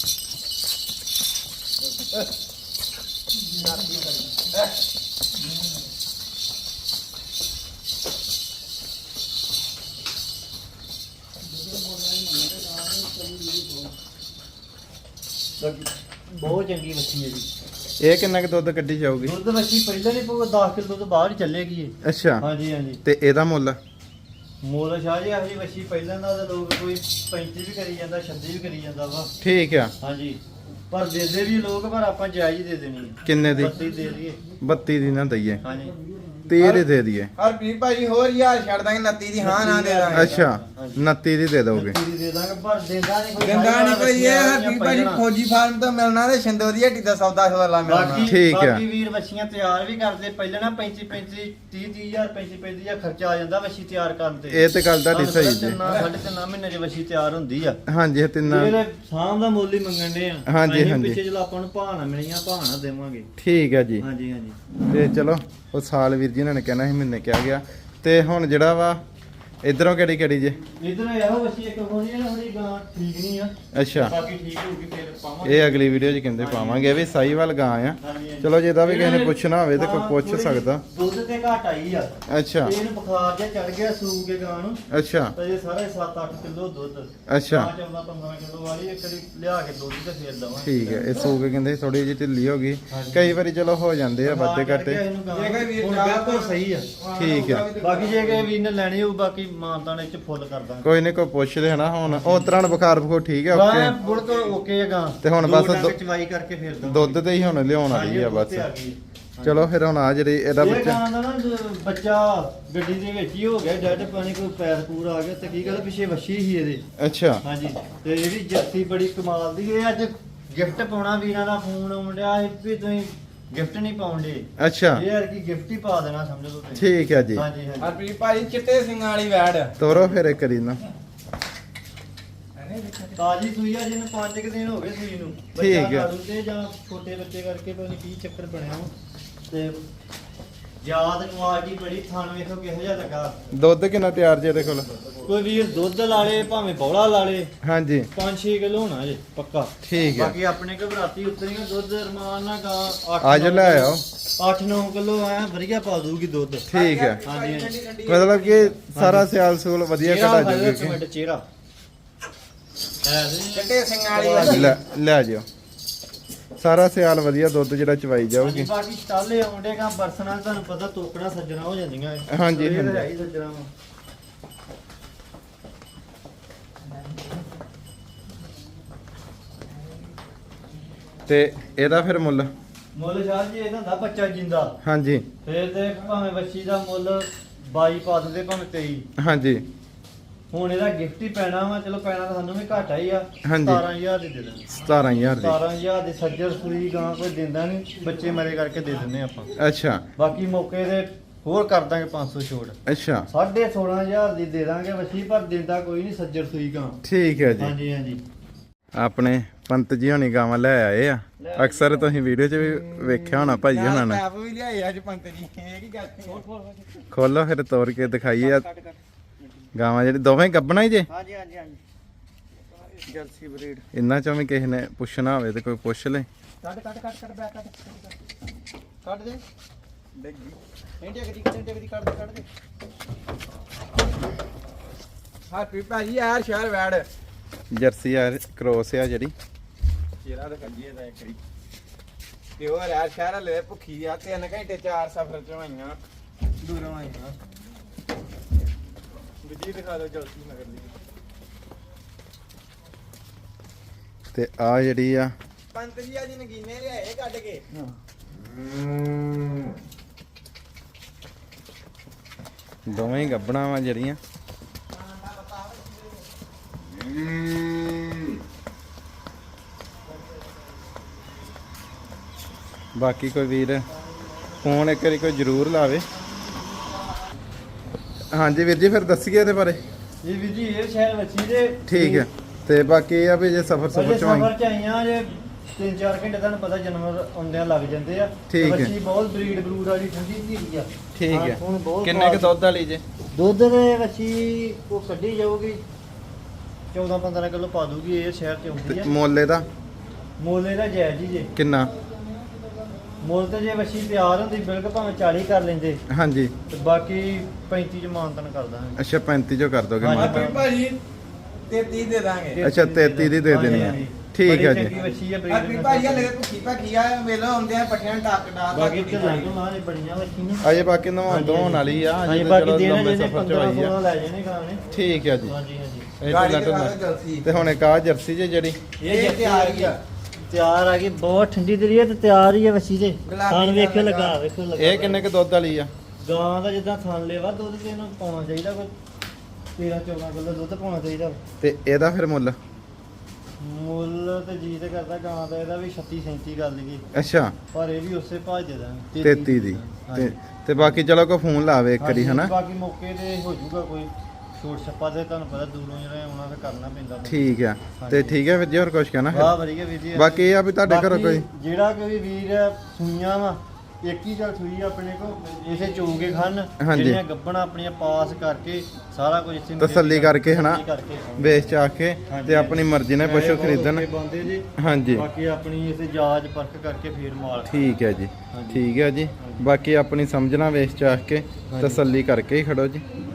S3: ਬਾਕੀ ਬਹੁਤ ਚੰਗੀ ਵੱਛੀ ਹੈ ਜੀ।
S1: ਇਹ ਕਿੰਨਾ ਕੁ ਦੁੱਧ ਕੱਢੀ ਜਾਊਗੀ?
S3: ਦੁੱਧ ਵੱਛੀ ਪਹਿਲਾਂ ਨਹੀਂ ਪਊਗਾ ਦਸ ਕਿਲੋ ਤੋਂ ਬਾਹਰ ਹੀ ਚੱਲੇਗੀ ਇਹ।
S1: ਅੱਛਾ।
S3: ਹਾਂਜੀ ਹਾਂਜੀ
S1: ਤੇ ਇਹਦਾ ਮੁੱਲ?
S3: ਮੋਲ ਸ਼ਾਹ ਜੀ ਆਹੀ ਵੱਛੀ ਪਹਿਲਾਂ ਦਾ ਤਾਂ ਲੋਕ ਕੋਈ ਪੈਂਤੀ ਵੀ ਕਰੀ ਜਾਂਦਾ ਛੱਬੀ ਵੀ ਕਰੀ ਜਾਂਦਾ ਵਾ।
S1: ਠੀਕ ਆ।
S3: ਹਾਂਜੀ ਪਰ ਦੇਦੇ ਵੀ ਲੋਕ ਪਰ ਆਪਾਂ ਜਾਇਜ਼ ਹੀ ਦੇ ਦੇਣੀ ਹੈ।
S1: ਕਿੰਨੇ ਦੀ?
S3: ਬੱਤੀ ਦੇ ਦਈਏ।
S1: ਬੱਤੀ ਦੀ ਨਾ ਦਈਏ,
S3: ਹਾਂਜੀ
S1: ਤੀਹ ਦੀ ਦੇ ਦਈਏ।
S2: ਹਰਪ੍ਰੀਤ ਭਾਜੀ ਹੋਰ ਯਾਰ ਛੱਡ ਦਾਂਗੇ ਉਨੱਤੀ ਦੀ ਹਾਂ ਨਾ ਦੇ ਦਾਂਗੇ।
S1: ਅੱਛਾ ਉਨੱਤੀ ਦੀ ਦੇ ਦੋਗੇ?
S3: ਬੱਤੀ ਦੀ ਦੇ ਦਾਂਗੇ ਪਰ ਦਿੰਦਾ ਨਹੀਂ ਕੋਈ।
S2: ਗੰਦਾ ਨਹੀਂ ਕੋਈ ਇਹ ਹਰਪ੍ਰੀਤ ਭਾਜੀ ਫੌਜੀ ਫਾਰਮ ਤੋਂ ਮਿਲਣਾ ਤੇ ਸ਼ਿੰਦੋ ਦੀ ਹੱਟੀ ਦਾ ਸੌਦਾ ਸੌਦਾ ਮਿਲਣਾ।
S3: ਬਾਕੀ
S1: ਠੀਕ ਆ।
S3: ਬਾਕੀ ਵੀਰ ਵੱਛੀਆਂ ਤਿਆਰ ਵੀ ਕਰਦੇ ਪਹਿਲਾਂ ਨਾ ਪੈਂਤੀ ਪੈਂਤੀ ਤੀਹ ਤੀਹ ਹਜ਼ਾਰ ਪੈਂਤੀ ਪੈਂਤੀ ਹਜ਼ਾਰ ਖਰਚਾ ਆ ਜਾਂਦਾ ਵੱਛੀ ਤਿਆਰ ਕਰਨ ਤੇ।
S1: ਇਹ ਤੇ ਗੱਲ ਤੁਹਾਡੀ
S3: ਤੁਹਾਨੂੰ
S1: ਸਹੀ
S3: ਪਤਾ
S1: ਜੀ।
S3: ਤਿੰਨਾਂ- ਸਾਢੇ ਤਿੰਨਾਂ ਮਹੀਨੇ ਦੀ ਵੱਛੀ ਤਿਆਰ ਹੁੰਦੀ ਆ।
S1: ਹਾਂਜੀ ਇਹ ਤਿੰਨਾਂ।
S3: ਇਹਦੇ ਸਾਂਭ ਦਾ ਮੁੱਲ ਹੀ ਮੰਗਣ ਦੇ ਆ।
S1: ਹਾਂਜੀ,
S3: ਅਸੀਂ
S1: ਹਾਂਜੀ।
S3: ਪਿੱਛੇ ਜਦੋਂ ਆਪਾਂ ਨੂੰ ਭਾਣਾ ਮਿਲੀਆਂ ਭਾਣਾ ਦੇਵਾਂਗੇ।
S1: ਠੀਕ ਹੈ ਜੀ।
S3: ਹਾਂਜੀ ਹਾਂਜੀ
S1: ਤੇ ਚਲੋ ਉਹ ਸਾਲ ਵੀਰ ਜੀ ਇਹਨਾਂ ਨੇ ਕਹਿਣਾ ਸੀ ਮਹੀਨੇ ਕਿਹਾ ਗਿਆ। ਤੇ ਹੁਣ ਜਿਹੜਾ ਵਾ ਇਧਰੋਂ ਕਿਹੜੀ ਕਿਹੜੀ ਜੇ?
S3: ਇਧਰ ਇਹੋ ਵੱਛੀ ਇੱਕ ਹੋਣੀ ਹੈ ਥੋੜੀ ਗਾਂ ਠੀਕ ਨਹੀਂ ਆ।
S1: ਅੱਛਾ
S3: ਬਾਕੀ ਠੀਕ ਹੋਊਗੀ ਫਿਰ ਪਾਵਾਂਗੇ।
S1: ਇਹ ਅਗਲੀ ਵੀਡੀਓ 'ਚ ਕਹਿੰਦੇ ਪਾਵਾਂਗੇ। ਇਹ ਵੀ ਸਾਈਵਾਲ ਗਾਂ ਆ।
S3: ਹਾਂਜੀ, ਹਾਂਜੀ।
S1: ਚਲੋ ਜੇ ਇਹਦਾ ਵੀ ਕਿਸੇ ਨੇ ਪੁੱਛਣਾ ਹੋਵੇ ਤੇ ਕੋਈ
S3: ਹਾਂ,
S1: ਪੁੱਛ
S3: ਥੋੜ੍ਹੀ
S1: ਸਕਦਾ।
S3: ਦੁੱਧ ਤੇ ਘਟ ਆਈ ਆ।
S1: ਅੱਛਾ
S3: ਤੇ ਇਹਨੂੰ ਬੁਖਾਰ ਜਿਹਾ ਚੜ ਗਿਆ ਸੂ ਕੇ ਗਾਂ ਨੂੰ।
S1: ਅੱਛਾ
S3: ਤੇ ਇਹ ਸਾਰਾ ਸੱਤ ਅੱਠ ਕਿਲੋ ਦੁੱਧ।
S1: ਅੱਛਾ
S3: ਚੌਦਾਂ ਪੰਦਰਾਂ ਕਿਲੋ ਵਾਲੀ ਇੱਕ ਵਾਰੀ ਲਿਆ ਕੇ ਦੁੱਧ ਤੇ ਫੇਰ ਦਵਾਂਗੇ।
S1: ਠੀਕ ਹੈ। ਇਹ ਸੂ ਕੇ ਕਹਿੰਦੇ ਥੋੜੀ ਜਿਹੀ ਢਿੱਲੀ ਹੋ ਗਈ।
S3: ਹਾਂਜੀ।
S1: ਕਈ ਵਾਰੀ ਚਲੋ ਹੋ ਜਾਂਦੇ ਆ ਵਾਧੇ ਘਾਟੇ।
S3: ਜੇ
S2: ਜੇ ਕੋਈ ਵੀਰ
S3: ਹੁਣ
S2: ਚਾਹ
S3: ਬਿਲਕੁਲ ਸਹੀ ਆ।
S1: ਠੀਕ ਆ।
S3: ਬਾਕੀ ਜੇ ਕਿਸੇ ਵੀਰ ਨੇ ਲੈਣੀ ਹੋਊ ਬਾਕੀ ਮਾਨਤਾਨ ਵਿੱਚ ਫੁੱਲ ਕਰ ਦਾਂਗੇ।
S1: ਕੋਈ ਨਹੀਂ ਕੋਈ ਪੁੱਛਦੇ ਹਨਾ। ਹੁਣ ਉਹ ਤਰ੍ਹਾਂ ਬੁਖਾਰ ਬਖੋ ਠੀਕ ਹੈ
S3: ਗਾਂ
S1: ਓਕੇ।
S3: ਬਿਲਕੁਲ ਓਕੇ ਆ ਗਾਂ।
S1: ਤੇ ਹੁਣ
S3: ਦੋ
S1: ਬਸ
S3: ਡੰਗ
S1: ਦੁ-
S3: ਚਵਾਈ ਕਰਕੇ ਫੇਰ ਦਵਾਂਗੇ।
S1: ਦੁੱਧ ਤੇ ਹੀ ਹੁਣ ਲਿਆਉਣ ਵਾਲੀ ਆ
S3: ਹਾਂਜੀ,
S1: ਬਸ।
S3: ਦੁੱਧ ਤੇ ਆ ਗਈ।
S1: ਚਲੋ ਫਿਰ ਹੁਣ ਆ ਜਿਹੜੀ ਇਹਦਾ
S3: ਇਹ
S1: ਬੱਚਾ
S3: ਗਾਂ ਦਾ ਨਾ ਜ- ਬੱਚਾ ਗੱਡੀ ਦੇ ਵਿੱਚ ਹੀ ਹੋ ਗਿਆ ਡੈਡ ਪਾਣੀ ਕੋਈ ਪੈਰ ਪੂਰ ਆ ਗਿਆ ਤੇ ਕੀ ਕਹਿੰਦਾ ਪਿੱਛੇ ਵੱਛੀ ਸੀ ਇਹਦੇ
S1: ਅੱਛਾ
S3: ਹਾਂਜੀ ਤੇ ਇਹ ਵੀ ਜਰਸੀ ਬੜੀ ਕਮਾਲ ਦੀ ਇਹ ਅੱਜ ਗਿਫਟ ਪਾਉਣਾ ਵੀਰਾਂ ਦਾ ਫੋਨ ਆਉਂਦਿਆ ਸੀ ਵੀ ਤੁਸੀਂ ਗਿਫਟ ਨਹੀਂ ਪਾਉਂਦੇ
S1: ਅੱਛਾ
S3: ਇਹ ਯਾਰ ਕੀ ਗਿਫਟ ਹੀ ਪਾ ਦੇਣਾ ਸਮਝ ਲਓ ਤੁਸੀਂ
S1: ਠੀਕ ਹੈ ਜੀ
S3: ਹਾਂਜੀ ਹਾਂਜੀ
S2: ਹਰਪ੍ਰੀਤ ਭਾਜੀ ਚਿੱਟੇ ਸਿੰਘਾਂ ਵਾਲੀ ਵੈੜ
S1: ਤੋਰੋ ਫਿਰ ਇੱਕ ਕਰੀ ਨਾ
S3: ਤਾਜੀ ਸੂਈ ਆ ਜਿਹਨੂੰ ਪੰਜ ਕੁ ਦਿਨ ਹੋ ਗਏ ਸੂਈ ਨੂੰ
S1: ਠੀਕ ਹੈ।
S3: ਬੱਚਾ ਕਾੜੂ ਤੇ ਜਾਂ ਛੋਟੇ ਬੱਚੇ ਕਰਕੇ ਪਤਾ ਨਹੀਂ ਕੀ ਚੱਕਰ ਬਣਿਆ ਵਾ ਤੇ ਯਾਦ ਕੁਆਲਿਟੀ ਬੜੀ ਥਣ ਵੇਖੋ ਕਿਹੋ ਜਿਹਾ ਲੱਗਾ
S1: ਦੁੱਧ ਕਿੰਨਾ ਤਿਆਰ ਜੇ ਇਹਦੇ ਕੋਲ
S3: ਕੋਈ ਵੀਰ ਦੁੱਧ ਲਾ ਲੇ ਭਾਵੇਂ ਬੌਲਾ ਲਾ ਲੇ
S1: ਹਾਂਜੀ
S3: ਪੰਜ ਛੇ ਕਿਲੋ ਹੋਣਾ ਜੇ ਪੱਕਾ
S1: ਠੀਕ ਹੈ
S3: ਬਾਕੀ ਆਪਣੇ ਘਬਰਾਤੀ ਉਤਰੀਆਂ ਦੁੱਧ ਰਮਾਨ ਨਾਲ ਗਾ
S1: ਅੱਜ ਲੈ ਆਓ
S3: ਅੱਠ ਨੌ ਕਿਲੋ ਆ ਵਧੀਆ ਪਾ ਦੂਗੀ ਦੁੱਧ
S1: ਠੀਕ ਹੈ
S3: ਹਾਂਜੀ ਹਾਂਜੀ
S1: ਮਤਲਬ ਕਿ ਸਾਰਾ ਸਿਆਲ ਸੂਲ ਵਧੀਆ
S3: ਚਿਹਰਾ
S1: ਕਢਾ
S3: ਖਾਓ ਇੱਕ
S1: ਜੂਗੀ
S3: ਮਿੰਟ ਚਿਹਰਾ ਹੈ ਜੀ
S2: ਚਿੱਟੇ ਸਿੰਘਾਂ ਵਾਲੀ ਵੈੜ
S1: ਲੈ ਲੈ ਜਿਓ ਸਾਰਾ ਸਿਆਲ ਵਧੀਆ ਦੁੱਧ ਜਿਹੜਾ ਚਵਾਈ
S3: ਹਾਂਜੀ,
S1: ਜਾਊਗੀ
S3: ਬਾਕੀ ਸਟਾਲੇ ਆਉਂਦੇ ਕਾ ਬਰਸਨਾਂ ਤੁਹਾਨੂੰ ਪਤਾ ਤੋਕੜਾ ਸੱਜਣਾ ਹੋ ਜਾਂਦੀਆਂ ਇਹ।
S1: ਹਾਂਜੀ,
S3: ਇਹ ਤਾਂ
S1: ਹਾਂਜੀ।
S3: ਹੈ ਹੀ ਸੱਜਣਾ ਵਾ।
S1: ਤੇ ਇਹਦਾ ਫਿਰ ਮੁੱਲ
S3: ਮੁੱਲ ਸਾਹਿਬ ਜੀ ਇਹਦਾ ਹੁੰਦਾ ਬੱਚਾ ਜਿੰਦਾ
S1: ਹਾਂਜੀ
S3: ਫੇਰ ਤੇ ਭਾਵੇਂ ਬੱਚੀ ਦਾ ਮੁੱਲ ਬਾਈ ਪਾ ਦਿੰਦੇ ਭਾਵੇਂ ਤੇਈ
S1: ਹਾਂਜੀ
S3: ਹੁਣ ਇਹਦਾ ਗਿਫਟ ਹੀ ਪੈਣਾ ਵਾ ਚਲੋ ਪੈਣਾ ਤਾਂ ਸਾਨੂੰ ਵੀ ਘਾਟਾ ਹੀ ਆ
S1: ਹਾਂਜੀ।
S3: ਸਤਾਰਾਂ ਹਜ਼ਾਰ ਦੇ ਦੇ ਦਾਂਗੇ
S1: ਸਤਾਰਾਂ ਹਜ਼ਾਰ ਦੀ
S3: ਸਤਾਰਾਂ ਹਜ਼ਾਰ ਦੀ ਸੱਜਰ ਸੂਈ ਗਾਂ ਕੋਈ ਦਿੰਦਾ ਨਹੀਂ ਬੱਚੇ ਮਰੇ ਕਰਕੇ ਦੇ ਦਿੰਦੇ ਆਪਾਂ
S1: ਅੱਛਾ
S3: ਬਾਕੀ ਮੌਕੇ ਤੇ ਹੋਰ ਕਰ ਦਾਂਗੇ ਪੰਜ ਸੌ ਛੋੜ
S1: ਅੱਛਾ
S3: ਸਾਢੇ ਸੋਲਾਂ ਹਜ਼ਾਰ ਦੀ ਦੇ ਦਾਂਗੇ ਬੱਚੀ ਪਰ ਦਿੰਦਾ ਕੋਈ ਨਹੀਂ ਸੱਜਰ ਸੂਈ ਗਾਂ
S1: ਠੀਕ ਹੈ ਜੀ
S3: ਹਾਂਜੀ ਹਾਂਜੀ
S1: ਆਪਣੇ ਪੰਤ ਜੀ ਹੋਣੀ ਗਾਵਾਂ ਲੈ ਆਏ ਆ ਅਕਸਰ ਤੁਸੀਂ ਵੀਡੀਓ 'ਚ ਵੀ ਵੇਖਿਆ ਹੋਣਾ ਭਾਜੀ ਹੋਣਾ ਨੇ
S2: ਪੈਪ ਵੀ ਲਿਆਏ ਅੱਜ ਪੰਤ ਜੀ ਇਹ ਕੀ ਗੱਲ
S1: ਖੋਲੋ ਫਿਰ ਤੋੜ ਕੇ ਦਿਖਾਈਏ ਆ ਗਾਵਾਂ ਜਿਹੜੀ ਦੋਵੇਂ ਗੱਬਣਾ ਹੀ ਜੇ
S3: ਹਾਂਜੀ ਹਾਂਜੀ ਹਾਂਜੀ ਜਰਸੀ ਬਰੀਡ
S1: ਇੰਨਾ ਚੋਂ ਵੀ ਕਿਸੇ ਨੇ ਪੁੱਛਣਾ ਹੋਵੇ ਤੇ ਕੋਈ ਪੁੱਛ ਲੈ
S2: ਕੱਟ ਕੱਟ ਕੱਟ ਕੱਟ ਬੈਕ ਕੱਟ
S3: ਕੱਢ ਦੇ
S2: ਡੱਗੀ
S3: ਇੰਡੀਆ ਕਦੀ ਇੰਡੀਆ ਕਦੀ ਕੱਢ ਦੇ ਕੱਢ ਦੇ
S2: ਹਰਪ੍ਰੀਤ ਭਾਜੀ ਯਾਰ ਸ਼ਹਿਰ ਵੈੜ
S1: ਜਰਸੀ ਆ ਕ੍ਰੋਸ ਆ ਜਿਹੜੀ
S2: ਚਿਹਰਾ ਤਾਂ ਕੱਢੀਏ ਦਾ ਇੱਕ ਵਾਰੀ ਤੇ ਉਹ ਯਾਰ ਸ਼ਹਿਰ ਵਾਲੇ ਭੁੱਖੀ ਆ ਤਿੰਨ ਘੰਟੇ ਚਾਰ ਸਫ਼ਰ ਚੋਂ ਆਈਆਂ ਦੂਰੋਂ ਆਈਆਂ ਦੂਜੀ ਦਿਖਾ ਦਿਓ ਜਲਦੀ ਨਗਰ ਦੀ
S1: ਤੇ ਆ ਜਿਹੜੀ ਆ
S2: ਪੰਤ ਜੀ ਅੱਜ ਨਗੀਨੇ ਲਿਆਏ ਕੱਢ ਕੇ
S1: ਦੋਵੇਂ ਹੀ ਗੱਬਣਾ ਵਾ ਜਿਹੜੀਆਂ ਬਾਕੀ ਕੋਈ ਵੀਰ ਫੋਨ ਇੱਕ ਵਾਰੀ ਕੋਈ ਜ਼ਰੂਰ ਲਾਵੇ ਹਾਂਜੀ ਵੀਰ ਜੀ ਫਿਰ ਦੱਸੀਏ ਇਹਦੇ ਬਾਰੇ
S3: ਇਹ ਵੀ ਜੀ ਇਹ ਸ਼ਹਿਰ ਬੱਚੀ ਦੇ
S1: ਠੀਕ ਹੈ ਤੇ ਬਾਕੀ ਇਹ ਆ ਵੀ ਜੇ ਸਫਰ
S3: ਅਜੇ
S1: ਸਫਰ ਚੋਂ ਆਈ
S3: ਸਫਰ ਚ ਆਈਆਂ ਜੇ ਤਿੰਨ ਚਾਰ ਘੰਟੇ ਤੁਹਾਨੂੰ ਪਤਾ ਜਾਨਵਰ ਆਉਂਦਿਆਂ ਲੱਗ ਜਾਂਦੇ ਆ
S1: ਠੀਕ ਹੈ।
S3: ਬੱਚੀ ਬਹੁਤ ਬਰੀਡ ਬਰੂਡ ਵਾਲੀ ਠੰਡੀ ਧੀਰੀ ਆ
S1: ਠੀਕ
S3: ਹਾਂ,
S1: ਹੈ
S3: ਹੁਣ ਬਹੁਤ
S1: ਕਿੰਨੇ ਕੁ ਦੁੱਧ ਵਾਲੀ ਜੇ
S3: ਦੁੱਧ ਦੇ ਬੱਚੀ ਉਹ ਕੱਢੀ ਜਾਊਗੀ ਚੌਦਾਂ ਪੰਦਰਾਂ ਕਿਲੋ ਪਾ ਦੂਗੀ ਇਹ ਸ਼ਹਿਰ ਚ ਆਉਂਦੀ
S1: ਤੇ
S3: ਆ
S1: ਮੁੱਲ ਇਹਦਾ
S3: ਮੁੱਲ ਇਹਦਾ ਜਾਇਜ਼ ਹੀ ਜੇ
S1: ਕਿੰਨਾ
S3: ਮੁੱਲ ਤੇ ਜੇ ਬੱਚੀ ਤਿਆਰ ਹੁੰਦੀ ਬਿਲਕੁਲ ਭਾਵੇਂ ਚਾਲੀ ਕਰ ਲੈਂਦੇ
S1: ਹਾਂਜੀ
S3: ਤੇ ਬਾਕੀ ਪੈਂਤੀ ਚ ਮਾਨਤਨ ਕਰ ਦਾਂਗੇ
S1: ਅੱਛਾ ਪੈਂਤੀ ਜੋ ਕਰ ਦੋਗੇ
S3: ਹਾਂਜੀ।
S1: ਮਾਤਾ
S2: ਹਰਪ੍ਰੀਤ ਭਾਜੀ ਤੇਤੀ ਦੇ ਦਾਂਗੇ
S1: ਅੱਛਾ, ਤੇਤੀ ਦੀ ਦੇ ਦੇਣੀ ਆ। ਠੀਕ ਹੈ ਜੀ।
S3: ਬੜੀ ਚੰਗੀ ਬੱਚੀ ਆ breed
S2: ਹਰਪ੍ਰੀਤ ਭਾਜੀ ਹਲੇ ਭੁੱਖੀ ਭਾਖੀ ਆ ਵੇਲੋ ਆਉਂਦੇ ਆ ਪੱਠਿਆਂ ਨੂੰ ਟੱਕ ਡਾਲ
S3: ਬਾਕੀ ਤੇ ਲਾਂਗੋ ਮਾਂ ਨੇ ਬੜੀਆਂ ਬੱਚੀ ਨੇ
S1: ਅਜੇ ਬਾਕੀ ਨਵਾਂ ਦੋਣ ਵਾਲੀ ਆ
S3: ਹਾਂਜੀ
S1: ਅਜੇ
S3: ਬਾਕੀ
S1: ਚਲੋ
S3: ਦੇਣਾ
S1: ਲੰਬੇ
S3: ਜਿਹਨੇ
S1: ਸਫਰ ਚ
S3: ਪੰਦਰਾਂ
S1: ਆਈ
S3: ਸੋਲਾਂ
S1: ਆ
S3: ਲੈ ਜਾਣੇ ਗਾਂ ਨੇ
S1: ਠੀਕ ਹੈ ਜੀ
S3: ਹਾਂਜੀ ਹਾਂਜੀ
S1: ਇਹ
S2: ਗਾੜੀ
S1: ਢਿੱਲਾ
S2: ਦਿਖਾ
S1: ਢੁੱਲਾ।
S2: ਦਿਓ ਜਲਦੀ
S1: ਤੇ ਹੁਣ ਇੱਕ ਆ ਜਰਸੀ ਜੇ ਜਿਹੜੀ
S2: ਇਹ ਤਿਆਰ ਹੀ ਆ
S3: ਤਿਆਰ ਆ ਗਈ ਬਹੁਤ ਠੰਡੀ ਦਰੀ ਹੈ ਤੇ ਤਿਆਰ ਹੀ ਹੈ ਬੱਚੀ ਦੇ
S2: ਗੁਲਾਬੀ
S3: ਥਣ ਵੇਖਿਓ
S2: ਰੰਗ
S3: ਲੱਗਾ
S2: ਦਾ।
S3: ਵੇਖਿਓ ਲੱਗਾ
S1: ਇਹ ਕਿੰਨੇ ਕੁ ਦੁੱਧ ਵਾਲੀ ਆ
S3: ਗਾਂ ਦਾ ਜਿੱਦਾਂ ਥਣ ਲੈਵਾ ਦੁੱਧ ਤੇ ਇਹਨੂੰ ਪਾਉਣਾ ਚਾਹੀਦਾ ਕੋਈ ਤੇਰਾਂ ਚੌਦਾਂ ਕਿਲੋ ਦੁੱਧ ਪਾਉਣਾ ਚਾਹੀਦਾ
S1: ਤੇ ਇਹਦਾ ਫਿਰ ਮੁੱਲ
S3: ਮੁੱਲ ਤੇ ਜੀ ਤੇ ਕਰਦਾ ਗਾਂ ਦਾ ਇਹਦਾ ਵੀ ਛੱਤੀ ਸੈਂਤੀ ਕਰ ਲਈਏ
S1: ਅੱਛਾ
S3: ਪਰ ਇਹ ਵੀ ਉਸੇ ਭਾਜ ਦੇ ਦਾਂਗੇ
S1: ਤੇਤੀ ਦੀ ਤੇ ਤੇ ਬਾਕੀ ਚਲੋ ਕੋਈ ਫੋਨ ਲਾਵੇ ਇੱਕ ਵਾਰੀ ਹਨਾ
S3: ਬਾਕੀ ਮੌਕੇ ਤੇ ਹੋ ਜਾਊਗਾ ਕੋਈ ਛੋਟ ਛੱਪਾ ਤੇ ਤੁਹਾਨੂੰ ਪਤਾ ਦੂਰੋਂ ਜਿਹੜਾ ਆਉਣਾ ਤੇ ਕਰਨਾ ਪੈਂਦਾ
S1: ਠੀਕ ਆ ਤੇ ਠੀਕ ਹੈ ਵੀਰ ਜੀ ਹੋਰ ਕੁਝ ਕਹਿਣਾ
S3: ਵਾਹ ਵਧੀਆ ਵੀਰ ਜੀ
S1: ਬਾਕੀ ਇਹ ਆ ਵੀ ਤੁਹਾਡੇ ਘਰੋਂ ਕੋਈ
S3: ਬਾਕੀ ਜਿਹੜਾ ਕੋਈ ਵੀਰ ਸੁਈਆਂ ਵਾ ਇੱਕ ਹੀ ਚੱਲ ਸੂਈ ਆਪਣੇ ਕੋ ਇਸੇ ਚੋਗੇ ਖਾਨ
S1: ਹਾਂਜੀ।
S3: ਜਿਹੜੀਆਂ ਗੱਬਣਾ ਆਪਣੀਆਂ ਪਾਸ ਕਰਕੇ ਸਾਰਾ ਕੁਝ ਇੱਥੇ
S1: ਤਸੱਲੀ ਕਰਕੇ ਹਨਾ
S3: ਤਸੱਲੀ ਕਰਕੇ
S1: ਵੇਚ ਚ ਆ ਕੇ
S3: ਹਾਂਜੀ,
S1: ਤੇ ਆਪਣੀ ਮਰਜ਼ੀ ਨਾਲ ਪਸ਼ੂ ਖਰੀਦਣ
S3: ਬੰਦੇ ਜੀ
S1: ਹਾਂਜੀ
S3: ਬਾਕੀ ਆਪਣੀ ਇਸੇ ਜਾਂਚ ਪਰਖ ਕਰਕੇ ਫੇਰ ਮਾਲ
S1: ਠੀਕ ਹੈ ਜੀ
S3: ਹਾਂਜੀ।
S1: ਠੀਕ ਹੈ ਜੀ ਬਾਕੀ ਆਪਣੀ ਸਮਝਣਾ ਵੇਚ ਚ ਆ ਕੇ
S3: ਹਾਂਜੀ।
S1: ਤਸੱਲੀ ਕਰਕੇ ਹੀ ਖੜੋ ਜੀ